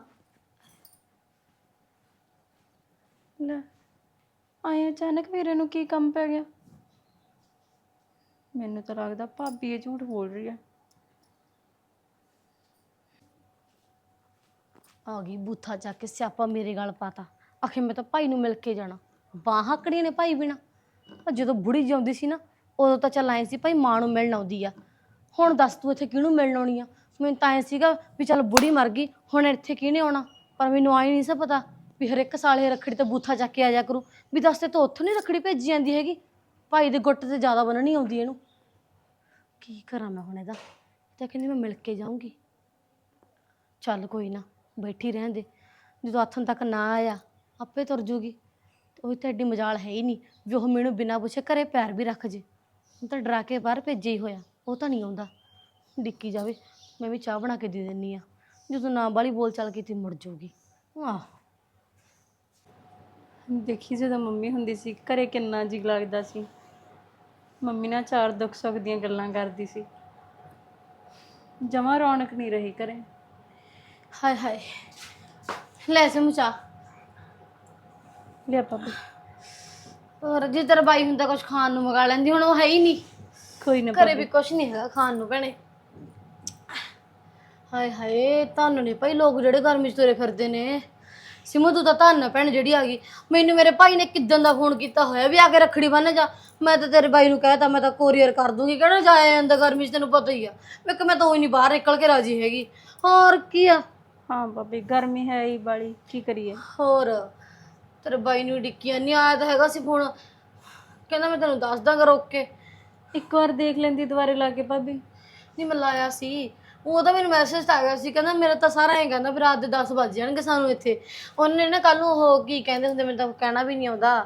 S2: ਲੈ ਆਏ ਅਚਾਨਕ ਵੀਰੇ ਨੂੰ ਕੀ ਕੰਮ ਪੈ ਗਿਆ? ਮੈਨੂੰ ਤਾਂ ਲੱਗਦਾ ਭਾਬੀ ਇਹ ਝੂਠ ਬੋਲ ਰਹੀ ਹੈ।
S3: ਆ ਗਈ ਬੂਥਾ ਚੱਕ ਕੇ, ਸਿਆਪਾ ਮੇਰੇ ਗਲ ਪਾਤਾ। ਆਖੇ ਮੈਂ ਤਾਂ ਭਾਈ ਨੂੰ ਮਿਲ ਕੇ ਜਾਣਾ, ਬਾਹਾਂ ਕੜੀਆਂ ਨੇ ਭਾਈ ਬਿਨਾ। ਜਦੋਂ ਬੁੜੀ ਜਿਉਂਦੀ ਸੀ ਨਾ, ਉਦੋਂ ਤਾਂ ਚੱਲ ਆਏ ਸੀ ਭਾਈ ਮਾਂ ਨੂੰ ਮਿਲਣ ਆਉਂਦੀ ਆ। ਹੁਣ ਦੱਸ ਤੂੰ ਇੱਥੇ ਕਿਹਨੂੰ ਮਿਲਣ ਆਉਣੀ ਆ? ਮੈਨੂੰ ਤਾਂ ਐਂ ਸੀਗਾ ਵੀ ਚੱਲ ਬੁੜੀ ਮਰ ਗਈ, ਹੁਣ ਇੱਥੇ ਕਿਹਨੇ ਆਉਣਾ। ਪਰ ਮੈਨੂੰ ਆਈ ਨਹੀਂ ਸੀ ਪਤਾ ਵੀ ਹਰ ਇੱਕ ਸਾਲ ਇਹ ਰੱਖੜੀ ਤੇ ਬੂਥਾ ਚੱਕ ਕੇ ਆ ਜਾ ਕਰੂ। ਵੀ ਦੱਸ ਤੇ ਤੂੰ ਉੱਥੋਂ ਨਹੀਂ ਰੱਖੜੀ ਭੇਜੀ ਜਾਂਦੀ ਹੈਗੀ, ਭਾਈ ਦੇ ਗੁੱਟ ਤੇ ਜ਼ਿਆਦਾ ਬੰਨਣੀ ਆਉਂਦੀ ਇਹਨੂੰ। ਕੀ ਕਰਾਂ ਮੈਂ ਹੁਣ ਇਹਦਾ? ਤਾਂ ਕਹਿੰਦੀ ਮੈਂ ਮਿਲ ਕੇ ਜਾਊਂਗੀ। ਚੱਲ ਕੋਈ ਨਾ, ਬੈਠੀ ਰਹਿਣ ਦੇ, ਜਦੋਂ ਆਥਣ ਤੱਕ ਨਾ ਆਇਆ ਆਪੇ ਤੁਰ ਜੂਗੀ। ਉਹੀ ਤਾਂ ਐਡੀ ਮਜਾਲ ਹੈ ਹੀ ਨਹੀਂ ਵੀ ਉਹ ਮੈਨੂੰ ਬਿਨਾਂ ਪੁੱਛੇ ਘਰੇ ਪੈਰ ਵੀ ਰੱਖ ਜੇ। ਹੁਣ ਤਾਂ ਡਰਾ ਕੇ ਬਾਹਰ ਭੇਜਿਆ ਹੀ ਹੋਇਆ, ਉਹ ਤਾਂ ਨਹੀਂ ਆਉਂਦਾ। ਡਿੱਕੀ ਜਾਵੇ, ਮੈਂ ਵੀ ਚਾਹ ਬਣਾ ਕੇ ਦੇ ਦਿੰਨੀ ਆ। ਜਦੋਂ ਨਾ ਬਾਲੀ ਬੋਲ ਚੱਲ ਕੀਤੀ ਮੁੜ ਜਾਊਗੀ। ਆਹ
S2: ਦੇਖੀ ਜਦੋਂ ਮੰਮੀ ਹੁੰਦੀ ਸੀ ਘਰੇ ਕਿੰਨਾ ਜੀ ਲੱਗਦਾ ਸੀ। ਮੰਮੀ ਨਾਲ ਚਾਰ ਦੁੱਖ ਸੁੱਖ ਦੀਆਂ ਗੱਲਾਂ ਕਰਦੀ ਸੀ। ਜਮਾਂ ਰੌਣਕ ਨਹੀਂ ਰਹੀ ਘਰੇ।
S3: ਹਾਏ ਹਾਏ, ਲੈ ਸਿਮੂ ਚਾਹ।
S2: ਲਿਆ ਭਾਬੀ।
S3: ਹੋਰ ਜੇ ਤੇਰਾ ਬਾਈ ਹੁੰਦਾ ਕੁਝ ਖਾਣ ਨੂੰ ਮੰਗਾ ਲੈਂਦੀ, ਹੁਣ ਉਹ ਹੈ ਹੀ ਨਹੀਂ
S2: ਕੋਈ ਨਾ
S3: ਘਰੇ, ਵੀ ਕੁਝ ਨਹੀਂ ਹੈਗਾ ਖਾਣ ਨੂੰ ਭੈਣੇ। ਹਾਏ ਹਾਏ, ਤੁਹਾਨੂੰ ਨਹੀਂ ਭਾਈ ਲੋਕ ਜਿਹੜੇ ਗਰਮੀ 'ਚ ਤੁਰੇ ਫਿਰਦੇ ਨੇ। ਸਿਮੂ ਤੂੰ ਤਾਂ ਧੰਨ ਆ ਭੈਣ ਜਿਹੜੀ ਆ ਗਈ। ਮੈਨੂੰ ਮੇਰੇ ਭਾਈ ਨੇ ਕਿੱਦਣ ਦਾ ਫੋਨ ਕੀਤਾ ਹੋਇਆ ਵੀ ਆ ਕੇ ਰੱਖੜੀ ਬੰਨ੍ਹ ਜਾ। ਮੈਂ ਤਾਂ ਤੇਰੇ ਬਾਈ ਨੂੰ ਕਹਿਤਾ ਮੈਂ ਤਾਂ ਕੋਰੀਅਰ ਕਰ ਦੂੰਗੀ, ਕਿਹੜਾ ਜਾਇਆ ਜਾਂਦਾ ਗਰਮੀ 'ਚ, ਤੈਨੂੰ ਪਤਾ ਹੀ ਆ। ਮੈਂ ਤਾਂ ਉਹ ਨਹੀਂ ਬਾਹਰ ਨਿਕਲ ਕੇ ਰਾਜੀ ਹੈਗੀ। ਹੋਰ ਕੀ ਆ।
S2: ਹਾਂ ਭਾਬੀ ਗਰਮੀ ਹੈ ਹੀ ਬਾਲੀ, ਕੀ ਕਰੀਏ।
S3: ਹੋਰ ਤੇਰੇ ਬਾਈ ਨੂੰ ਡਿੱਕੀਆਂ ਨਹੀਂ ਆਇਆ ਤਾਂ ਹੈਗਾ ਸੀ ਫੋਨ, ਕਹਿੰਦਾ ਮੈਂ ਤੈਨੂੰ ਦੱਸ ਦਾਂਗਾ ਰੋਕ ਕੇ।
S2: ਇੱਕ ਵਾਰ ਦੇਖ ਲੈਂਦੀ ਦੁਬਾਰੇ ਲਾ ਕੇ ਭਾਬੀ।
S3: ਨਹੀਂ ਮੈਂ ਲਾਇਆ ਸੀ, ਉਹਦਾ ਮੈਨੂੰ ਮੈਸੇਜ ਆ ਗਿਆ ਸੀ, ਕਹਿੰਦਾ ਮੇਰਾ ਤਾਂ ਸਾਰਾ ਐਂ ਕਹਿੰਦਾ ਵੀ ਰਾਤ ਦੇ 10 ਵੱਜ ਜਾਣਗੇ ਸਾਨੂੰ ਇੱਥੇ। ਉਹਨੇ ਨਾ ਕੱਲ ਨੂੰ ਉਹ ਕੀ ਕਹਿੰਦੇ ਹੁੰਦੇ, ਮੈਨੂੰ ਤਾਂ ਕਹਿਣਾ ਵੀ ਨਹੀਂ ਆਉਂਦਾ,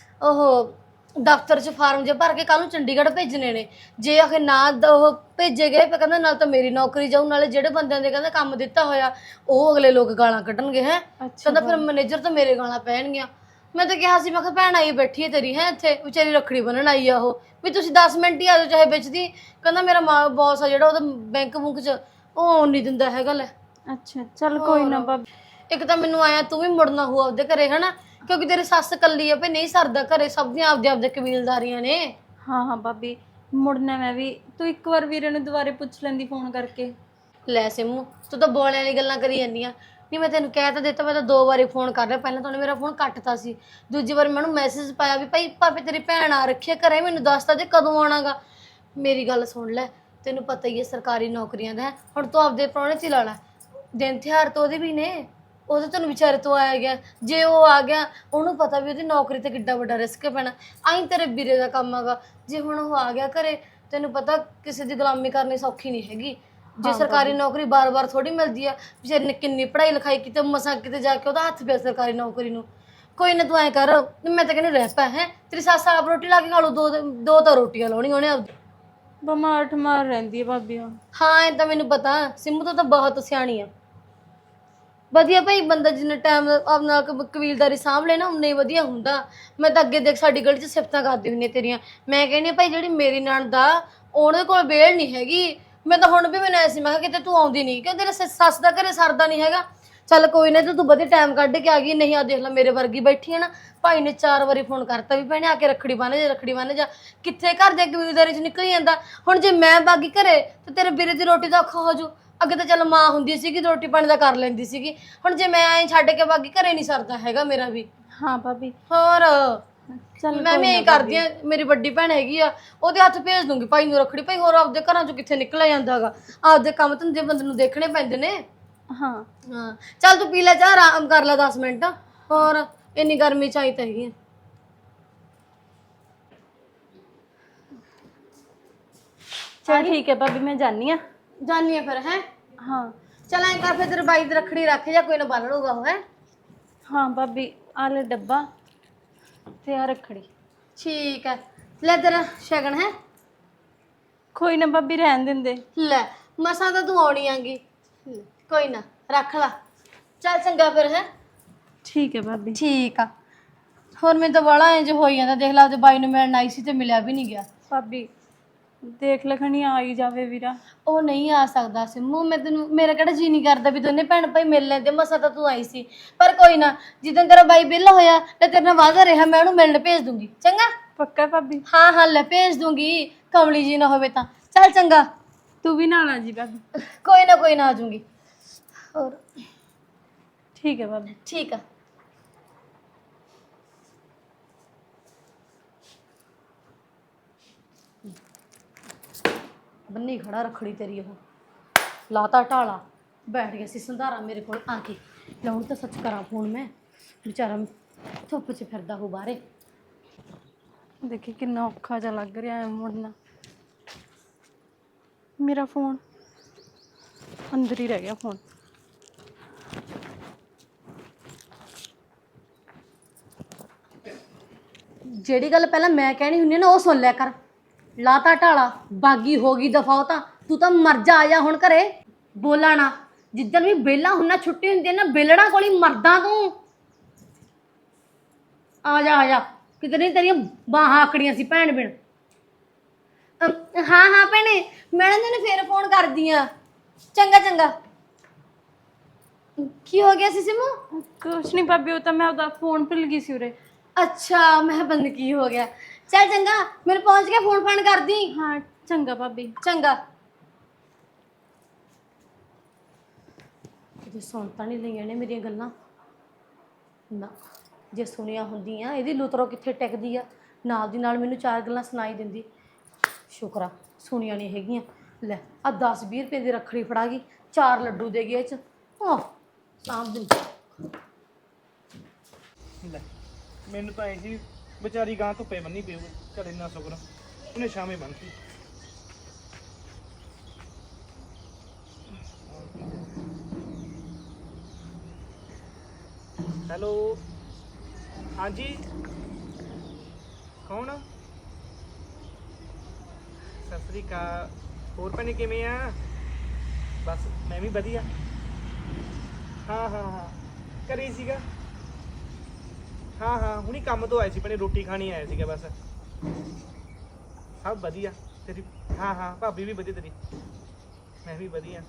S3: ਉਹ ਦਫ਼ਤਰ 'ਚ ਫਾਰਮ ਜੇ ਭਰ ਕੇ ਕੱਲ ਨੂੰ ਚੰਡੀਗੜ੍ਹ ਭੇਜਣੇ ਨੇ। ਜੇ ਆਖੇ ਨਾ ਉਹ ਭੇਜੇ ਗਏ ਫਿਰ ਕਹਿੰਦਾ ਨਾਲ ਤਾਂ ਮੇਰੀ ਨੌਕਰੀ ਜਾਊ, ਨਾਲੇ ਜਿਹੜੇ ਬੰਦਿਆਂ ਦੇ ਕਹਿੰਦਾ ਕੰਮ ਦਿੱਤਾ ਹੋਇਆ ਉਹ ਅਗਲੇ ਲੋਕ ਗਾਲਾਂ ਕੱਢਣਗੇ। ਹੈ ਕਹਿੰਦਾ ਫਿਰ ਮੈਨੇਜਰ ਤਾਂ ਮੇਰੇ ਗਾਲਾਂ ਪੈਣਗੀਆਂ। ਮੈਂ ਤਾਂ ਕਿਹਾ ਸੀ, ਮੈਂ ਕਿਹਾ ਭੈਣ ਆਈ ਬੈਠੀ ਹੈ ਤੇਰੀ, ਹੈ ਇੱਥੇ ਵਿਚਾਰੀ ਰੱਖੜੀ ਬੰਨਣ ਆਈ ਆ ਉਹ, ਵੀ ਤੁਸੀਂ 10 ਮਿੰਟ ਹੀ ਆ ਜਾਓ ਚਾਹੇ ਵਿੱਚ ਦੀ। ਕਹਿੰਦਾ ਮੇਰਾ ਬੌਸ ਆ ਜਿਹੜਾ ਉਹਦਾ ਬੈਂਕ ਬੁੰਕ 'ਚ ਉਹ ਆਉਣ ਨਹੀਂ ਦਿੰਦਾ ਹੈਗਾ। ਲੈ
S2: ਅੱਛਾ ਚੱਲ ਕੋਈ ਨਾ ਭਾਬੀ।
S3: ਇੱਕ ਤਾਂ ਮੈਨੂੰ ਆਇਆ ਤੂੰ ਵੀ ਮੁੜਨਾ ਹੋ ਆਪਦੇ ਘਰੇ, ਹਨਾ, ਕਿਉਂਕਿ ਤੇਰੀ ਸੱਸ ਕੱਲੀ ਆ ਭਈ, ਨਹੀਂ ਸਰਦਾ ਘਰੇ, ਸਭ ਦੀਆਂ ਆਪਦੇ ਕਬੀਲਦਾਰੀਆਂ ਨੇ।
S2: ਹਾਂ ਹਾਂ ਭਾਬੀ ਮੁੜਨਾ ਮੈਂ ਵੀ। ਤੂੰ ਇੱਕ ਵਾਰ ਵੀਰੇ ਨੂੰ ਦੁਬਾਰੇ ਪੁੱਛ ਲੈਂਦੀ ਫੋਨ ਕਰਕੇ।
S3: ਲੈ ਸਿਮੂ ਤੂੰ ਤਾਂ ਬੋਲਿਆਂ ਵਾਲੀ ਗੱਲਾਂ ਕਰੀ ਜਾਂਦੀ ਆ। ਨਹੀਂ ਮੈਂ ਤੈਨੂੰ ਕਹਿ ਤਾਂ ਦਿੱਤਾ, ਮੈਂ ਤਾਂ 2 ਵਾਰੀ ਫੋਨ ਕਰ ਰਿਹਾ। ਪਹਿਲਾਂ ਤਾਂ ਉਹਨੇ ਮੇਰਾ ਫੋਨ ਕੱਟਤਾ ਸੀ, ਦੂਜੀ ਵਾਰ ਮੈਨੂੰ ਮੈਸੇਜ ਪਾਇਆ ਵੀ ਭਾਈ ਭਾਵੇਂ ਤੇਰੀ ਭੈਣ ਆ ਰੱਖੀ ਆ ਘਰੇ, ਮੈਨੂੰ ਦੱਸਦਾ ਜੇ ਕਦੋਂ ਆਉਣਾਗਾ। ਮੇਰੀ ਗੱਲ ਸੁਣ ਲੈ, ਤੈਨੂੰ ਪਤਾ ਹੀ ਹੈ ਸਰਕਾਰੀ ਨੌਕਰੀਆਂ ਦਾ। ਹੁਣ ਤੂੰ ਆਪਦੇ ਪ੍ਰਾਹੁਣੇ 'ਚ ਹੀ ਲਾ ਲੈ, ਦਿਨ ਤਿਉਹਾਰ ਤਾਂ ਉਹਦੇ ਵੀ ਨੇ, ਉਹਦੇ ਤੈਨੂੰ ਵਿਚਾਰੇ ਤੋਂ ਆਇਆ ਗਿਆ। ਜੇ ਉਹ ਆ ਗਿਆ ਉਹਨੂੰ ਪਤਾ ਵੀ ਉਹਦੀ ਨੌਕਰੀ ਤੇ ਕਿੱਡਾ ਵੱਡਾ ਰਿਸਕ ਪੈਣਾ। ਆਈ ਤੇਰੇ ਵੀਰੇ ਦਾ ਕੰਮ ਹੈਗਾ, ਜੇ ਹੁਣ ਉਹ ਆ ਗਿਆ ਘਰੇ, ਤੈਨੂੰ ਪਤਾ ਕਿਸੇ ਦੀ ਗੁਲਾਮੀ ਕਰਨੀ ਸੌਖੀ ਨਹੀਂ ਹੈਗੀ। ਜੇ ਸਰਕਾਰੀ ਨੌਕਰੀ ਬਾਰ-ਬਾਰ ਥੋੜੀ ਮਿਲਦੀ ਆ। ਵਿਚਾਰੇ ਨੇ ਕਿੰਨੀ ਪੜ੍ਹਾਈ ਲਿਖਾਈ ਕੀਤੀ, ਮਸਾਂ ਕਿਤੇ ਜਾ ਕੇ ਉਹਦਾ ਹੱਥ ਪਿਆ ਸਰਕਾਰੀ ਨੌਕਰੀ ਨੂੰ। ਕੋਈ ਨਾ ਤੂੰ ਐਂ ਕਰ, ਮੈਂ ਤਾਂ ਕਹਿੰਦੀ ਰਹਿ ਪੈ, ਹੈ ਤੇਰੀ ਸੱਸ ਆਪ ਰੋਟੀ ਲਾ ਕੇ ਖਾ ਲੂ, ਦੋ ਤਾਂ ਰੋਟੀਆਂ ਲਾਉਣੀਆਂ ਉਹਨੇ ਆਪਦੀ।
S2: ਬਿਮਾਰ ਠਮਾਰ ਰਹਿੰਦੀ ਹੈ ਭਾਬੀ ਉਹ।
S3: ਹਾਂ ਇਹ ਤਾਂ ਮੈਨੂੰ ਪਤਾ, ਸਿੰਮੂ ਤੋਂ ਤਾਂ ਬਹੁਤ ਸਿਆਣੀ ਆ। ਵਧੀਆ ਭਾਈ, ਬੰਦਾ ਜਿੰਨਾ ਟਾਈਮ ਆਪਣਾ ਕਬੀਲਦਾਰੀ ਸਾਂਭ ਲੈ ਨਾ ਉਨਾ ਹੀ ਵਧੀਆ ਹੁੰਦਾ। ਮੈਂ ਤਾਂ ਅੱਗੇ ਦੇਖ ਸਾਡੀ ਗਲੀ 'ਚ ਸਿਫਤਾਂ ਕਰਦੀ ਹੁੰਦੀ ਤੇਰੀਆਂ। ਮੈਂ ਕਹਿੰਦੀ ਭਾਈ ਜਿਹੜੀ ਮੇਰੀ ਨਣਦ ਆ ਉਹਦੇ ਕੋਲ ਵੇਲ ਨਹੀਂ ਹੈਗੀ। ਮੈਂ ਤਾਂ ਹੁਣ ਵੀ ਮੈਨੂੰ ਐਸੀ, ਮੈਂ ਕਿਹਾ ਕਿਤੇ ਤੂੰ ਆਉਂਦੀ ਨਹੀਂ, ਕਿਉਂ ਤੇਰੇ ਸੱਸ ਦਾ ਘਰੇ ਸਰਦਾ ਨਹੀਂ ਹੈਗਾ। ਚੱਲ ਕੋਈ ਨਾ, ਤੂੰ ਵਧੀਆ ਟਾਈਮ ਕੱਢ ਕੇ ਆ ਗਈ। ਨਹੀਂ ਆ ਦੇਖ ਲੈ ਮੇਰੇ ਵਰਗੀ ਬੈਠੀ ਹੈ ਨਾ, ਭਾਈ ਨੇ 4 ਵਾਰੀ ਫੋਨ ਕਰਤਾ ਵੀ ਭੈਣੇ ਆ ਕੇ ਰੱਖੜੀ ਬੰਨ੍ਹ ਜਾ, ਰੱਖੜੀ ਬੰਨ੍ਹ ਜਾ। ਕਿੱਥੇ ਘਰ ਦੇ ਕਬੀਲਦਾਰੀ 'ਚ ਨਿਕਲ ਜਾਂਦਾ। ਹੁਣ ਜੇ ਮੈਂ ਬਾਗੀ ਘਰੇ ਤੇ ਤੇਰੇ ਵੀਰੇ ਦੀ ਰੋਟੀ ਦਾ ਔਖਾ ਹੋ ਜੂ। ਅੱਗੇ ਤਾਂ ਚੱਲ ਮਾਂ ਹੁੰਦੀ ਸੀਗੀ, ਰੋਟੀ ਪਾਣੀ ਦਾ ਕਰ ਲੈਂਦੀ ਸੀਗੀ। ਹੁਣ ਜੇ ਮੈਂ ਐਂ ਛੱਡ ਕੇ ਬਾਗੀ ਘਰੇ ਨਹੀਂ ਸਰਦਾ ਹੈਗਾ ਮੇਰਾ ਵੀ।
S2: ਹਾਂ ਭਾਬੀ
S3: ਹੋਰ
S2: ਚੱਲ
S3: ਮੈਂ ਵੀ ਐਂ ਕਰਦੀ ਆ, ਮੇਰੀ ਵੱਡੀ ਭੈਣ ਹੈਗੀ ਆ, ਉਹਦੇ ਹੱਥ ਭੇਜ ਦੂੰਗੀ ਭਾਈ ਨੂੰ ਰੱਖੜੀ। ਭਾਈ ਹੋਰ ਆਪਦੇ ਘਰਾਂ 'ਚੋਂ ਕਿੱਥੇ ਨਿਕਲਿਆ ਜਾਂਦਾ ਹੈਗਾ, ਆਪਦੇ ਕੰਮ ਧੰਦੇ ਬੰਦੇ ਨੂੰ ਦੇਖਣੇ ਪੈਂਦੇ ਨੇ।
S2: ਹਾਂ
S3: ਹਾਂ ਚੱਲ ਤੂੰ ਪੀ ਲੈ ਚਾਹ, ਆਰਾਮ ਕਰ ਲੈ 10 ਮਿੰਟ। ਹੋਰ ਇੰਨੀ ਗਰਮੀ 'ਚ ਆਈ ਤਾਂ ਹੈਗੀ।
S2: ਚਲ ਠੀਕ ਹੈ ਭਾਬੀ ਮੈਂ ਜਾਨੀ ਆ।
S3: ਜਾਨੀ ਆ ਫਿਰ, ਹੈ
S2: ਹਾਂ
S3: ਚੱਲ ਐਂ ਕਰ ਫਿਰ ਤੇਰੇ ਬਾਈ ਦੀ ਰੱਖੜੀ ਰੱਖ ਜਾ, ਕੋਈ ਨਾ ਬੰਨ ਲਊਗਾ ਉਹ। ਹੈ
S2: ਹਾਂ ਭਾਬੀ ਆ ਲੈ ਡੱਬਾ ਤੇ ਆ ਰੱਖੜੀ।
S3: ਠੀਕ ਹੈ, ਲੈ ਤੇਰਾ ਸ਼ਗਨ। ਹੈ
S2: ਕੋਈ ਨਾ ਭਾਬੀ ਰਹਿਣ ਦਿੰਦੇ।
S3: ਲੈ ਮਸਾਂ ਤਾਂ ਤੂੰ ਆਉਣੀ ਆਂਗੀ, ਕੋਈ ਨਾ ਰੱਖ ਲਾ। ਚੱਲ ਚੰਗਾ ਫਿਰ। ਹੈ
S2: ਠੀਕ ਹੈ ਭਾਬੀ।
S3: ਠੀਕ ਆ। ਹੋਰ ਮੈਨੂੰ ਤਾਂ ਬੜਾ ਇੰਜ ਹੋਈ ਜਾਂਦਾ, ਦੇਖ ਲਾ ਉਹਦੇ ਬਾਈ ਨੂੰ ਮਿਲਣ ਆਈ ਸੀ ਤੇ ਮਿਲਿਆ ਵੀ ਨਹੀਂ ਗਿਆ।
S2: ਭਾਬੀ ਦੇਖ ਲਖਣੀ ਆ ਹੀ ਜਾਵੇ ਵੀਰਾ।
S3: ਉਹ ਨਹੀਂ ਆ ਸਕਦਾ ਸਿੰਮੂ, ਮੈਂ ਤੈਨੂੰ, ਮੇਰਾ ਕਿਹੜਾ ਜੀ ਨਹੀਂ ਕਰਦਾ ਵੀ ਦੋਨੇ ਭੈਣ ਭਾਈ ਮਿਲ ਲੈਂਦੇ। ਮਸਾ ਤਾਂ ਤੂੰ ਆਈ ਸੀ, ਪਰ ਕੋਈ ਨਾ, ਜਿੱਦਣ ਤੇਰਾ ਬਾਈ ਵਿਹਲਾ ਹੋਇਆ ਤੇ ਤੇਰੇ ਨਾਲ ਵਾਅਦਾ ਰਿਹਾ ਮੈਂ ਉਹਨੂੰ ਮਿਲਣ ਭੇਜ ਦੂੰਗੀ। ਚੰਗਾ?
S2: ਪੱਕਾ ਭਾਬੀ?
S3: ਹਾਂ ਹਾਂ ਲੈ ਭੇਜ ਦੂੰਗੀ, ਕਮਲੀ ਜੀ ਨਾ ਹੋਵੇ ਤਾਂ। ਚੱਲ ਚੰਗਾ,
S2: ਤੂੰ ਵੀ ਨਾਲ ਆ ਜੀ ਭਾਬੀ।
S3: ਕੋਈ ਨਾ ਆ ਜਾਊਂਗੀ। ਹੋਰ
S2: ਠੀਕ ਹੈ ਭਾਬੀ।
S3: ਠੀਕ ਆ। ਬੰਨੀ ਖੜਾ ਰੱਖੜੀ ਤੇਰੀ, ਉਹ ਲਾਤਾ ਢਾਲਾ, ਬੈਠ ਗਿਆ ਸੀ ਸੰਧਾਰਾ ਮੇਰੇ ਕੋਲ ਆ ਕੇ। ਲਾਉਣ ਤਾਂ ਸੱਚ ਕਰਾਂ ਫੋਨ ਮੈਂ, ਵਿਚਾਰਾ ਧੁੱਪ 'ਚ ਫਿਰਦਾ ਹੋ ਬਾਹਰੇ।
S2: ਦੇਖੀ ਕਿੰਨਾ ਔਖਾ ਜਿਹਾ ਲੱਗ ਰਿਹਾ ਹੈ ਮੁੜਨਾ। ਮੇਰਾ ਫੋਨ ਅੰਦਰ ਹੀ ਰਹਿ ਗਿਆ ਫੋਨ।
S3: ਜਿਹੜੀ ਗੱਲ ਪਹਿਲਾਂ ਮੈਂ ਕਹਿਣੀ ਹੁੰਦੀ ਨਾ ਉਹ ਸੁਣ ਲਿਆ ਕਰ। ਲਾਤਾ ਢਾਲਾ ਬਾਗੀ ਹੋ ਗਈ ਦਫਾ ਤਾਂ ਤੂੰ ਤਾਂ ਮਰ ਜਾ, ਆ ਜਾ ਹੁਣ ਘਰੇ। ਬੋਲਾ ਨਾ, ਜਿੱਦਣ ਵੀ ਵਿਹਲਾ ਹੁੰਨਾ ਛੁੱਟੀ ਹੁੰਦੀ ਹੈ ਨਾ ਬੇਲੜਾ ਕੋਲ ਹੀ ਮਰਦਾ ਤੂੰ। ਆ ਜਾ ਆ ਜਾ, ਕਿਤੇ ਨਹੀਂ ਤੇਰੀਆਂ ਬਾਹਾਂ ਆਕੜੀਆਂ ਸੀ ਭੈਣ ਬਿਨ। ਹਾਂ ਹਾਂ ਭੈਣੇ, ਮੈਂ ਨਾ ਤੈਨੂੰ ਫੇਰ ਫੋਨ ਕਰਦੀ ਆ। ਚੰਗਾ ਚੰਗਾ। ਕੀ ਹੋ ਗਿਆ ਸੀ ਸਿਮੂ?
S2: ਕੁਛ ਨਹੀਂ ਭਾਬੀ, ਉਹ ਤਾਂ ਮੈਂ ਉਹਦਾ ਫੋਨ ਭੁੱਲ ਗਈ ਸੀ ਉਰੇ।
S3: ਅੱਛਾ, ਮੈਂ ਬੰਦ ਕੀ ਹੋ ਗਿਆ। ਚੱਲ ਚੰਗਾ, ਮੈਨੂੰ ਪਹੁੰਚ ਕੇ ਫੋਨ ਫਾਨ ਕਰਦੀ।
S2: ਹਾਂ ਚੰਗਾ ਭਾਬੀ।
S3: ਚੰਗਾ। ਕਿਤੇ ਸੁਣ ਤਾਂ ਨਹੀਂ ਲਈਆਂ ਨੇ ਮੇਰੀਆਂ ਗੱਲਾਂ ਨਾ, ਜੇ ਸੁਣੀਆਂ ਹੁੰਦੀਆਂ ਇਹਦੀ ਲੁਤਰੋ ਕਿੱਥੇ ਟਿਕਦੀ ਆ, ਨਾਲ ਦੀ ਨਾਲ ਮੈਨੂੰ 4 ਗੱਲਾਂ ਸੁਣਾਈ ਦਿੰਦੀ। ਸ਼ੁਕਰ ਆ ਸੁਣੀਆਂ ਨਹੀਂ ਹੈਗੀਆਂ। ਲੈ ਆ 10-20 ਰੁਪਏ ਦੀ ਰੱਖੜੀ ਫੜਾ ਗਈ, 4 ਲੱਡੂ ਦੇ ਗਏ ਇਹ ਚ। ਆਹ ਸਾਂਭ ਦਿੰਦੀ।
S6: ਲੈ ਮੈਨੂੰ ਤਾਂ ਐ ਸੀ ਵਿਚਾਰੀ ਗਾਂ ਧੁੱਪੇ ਬੰਨੀ ਪਈ ਹੋਵੇ, ਚੱਲ ਇੰਨਾ ਸ਼ੁਕਰ ਉਹਨੇ ਸ਼ਾਮੇ ਬੰਨਤੀ। ਹੈਲੋ ਹਾਂਜੀ ਕੌਣ? ਸਤਿ ਸ੍ਰੀ ਅਕਾਲ। ਹੋਰ ਭੈਣੇ ਕਿਵੇਂ ਆ? ਬਸ ਮੈਂ ਵੀ ਵਧੀਆ। ਹਾਂ ਹਾਂ ਹਾਂ ਘਰੇ ਹੀ ਸੀਗਾ। ਹਾਂ ਹਾਂ ਹੁਣੀ ਕੰਮ ਤੋਂ ਆਏ ਸੀ ਭੈਣੇ, ਰੋਟੀ ਖਾਣੀ ਆਇਆ ਸੀਗਾ ਬਸ। ਸਭ ਵਧੀਆ ਤੇਰੀ? ਹਾਂ ਹਾਂ ਭਾਬੀ ਵੀ ਵਧੀਆ ਤੇਰੀ? ਮੈਂ ਵੀ ਵਧੀਆ।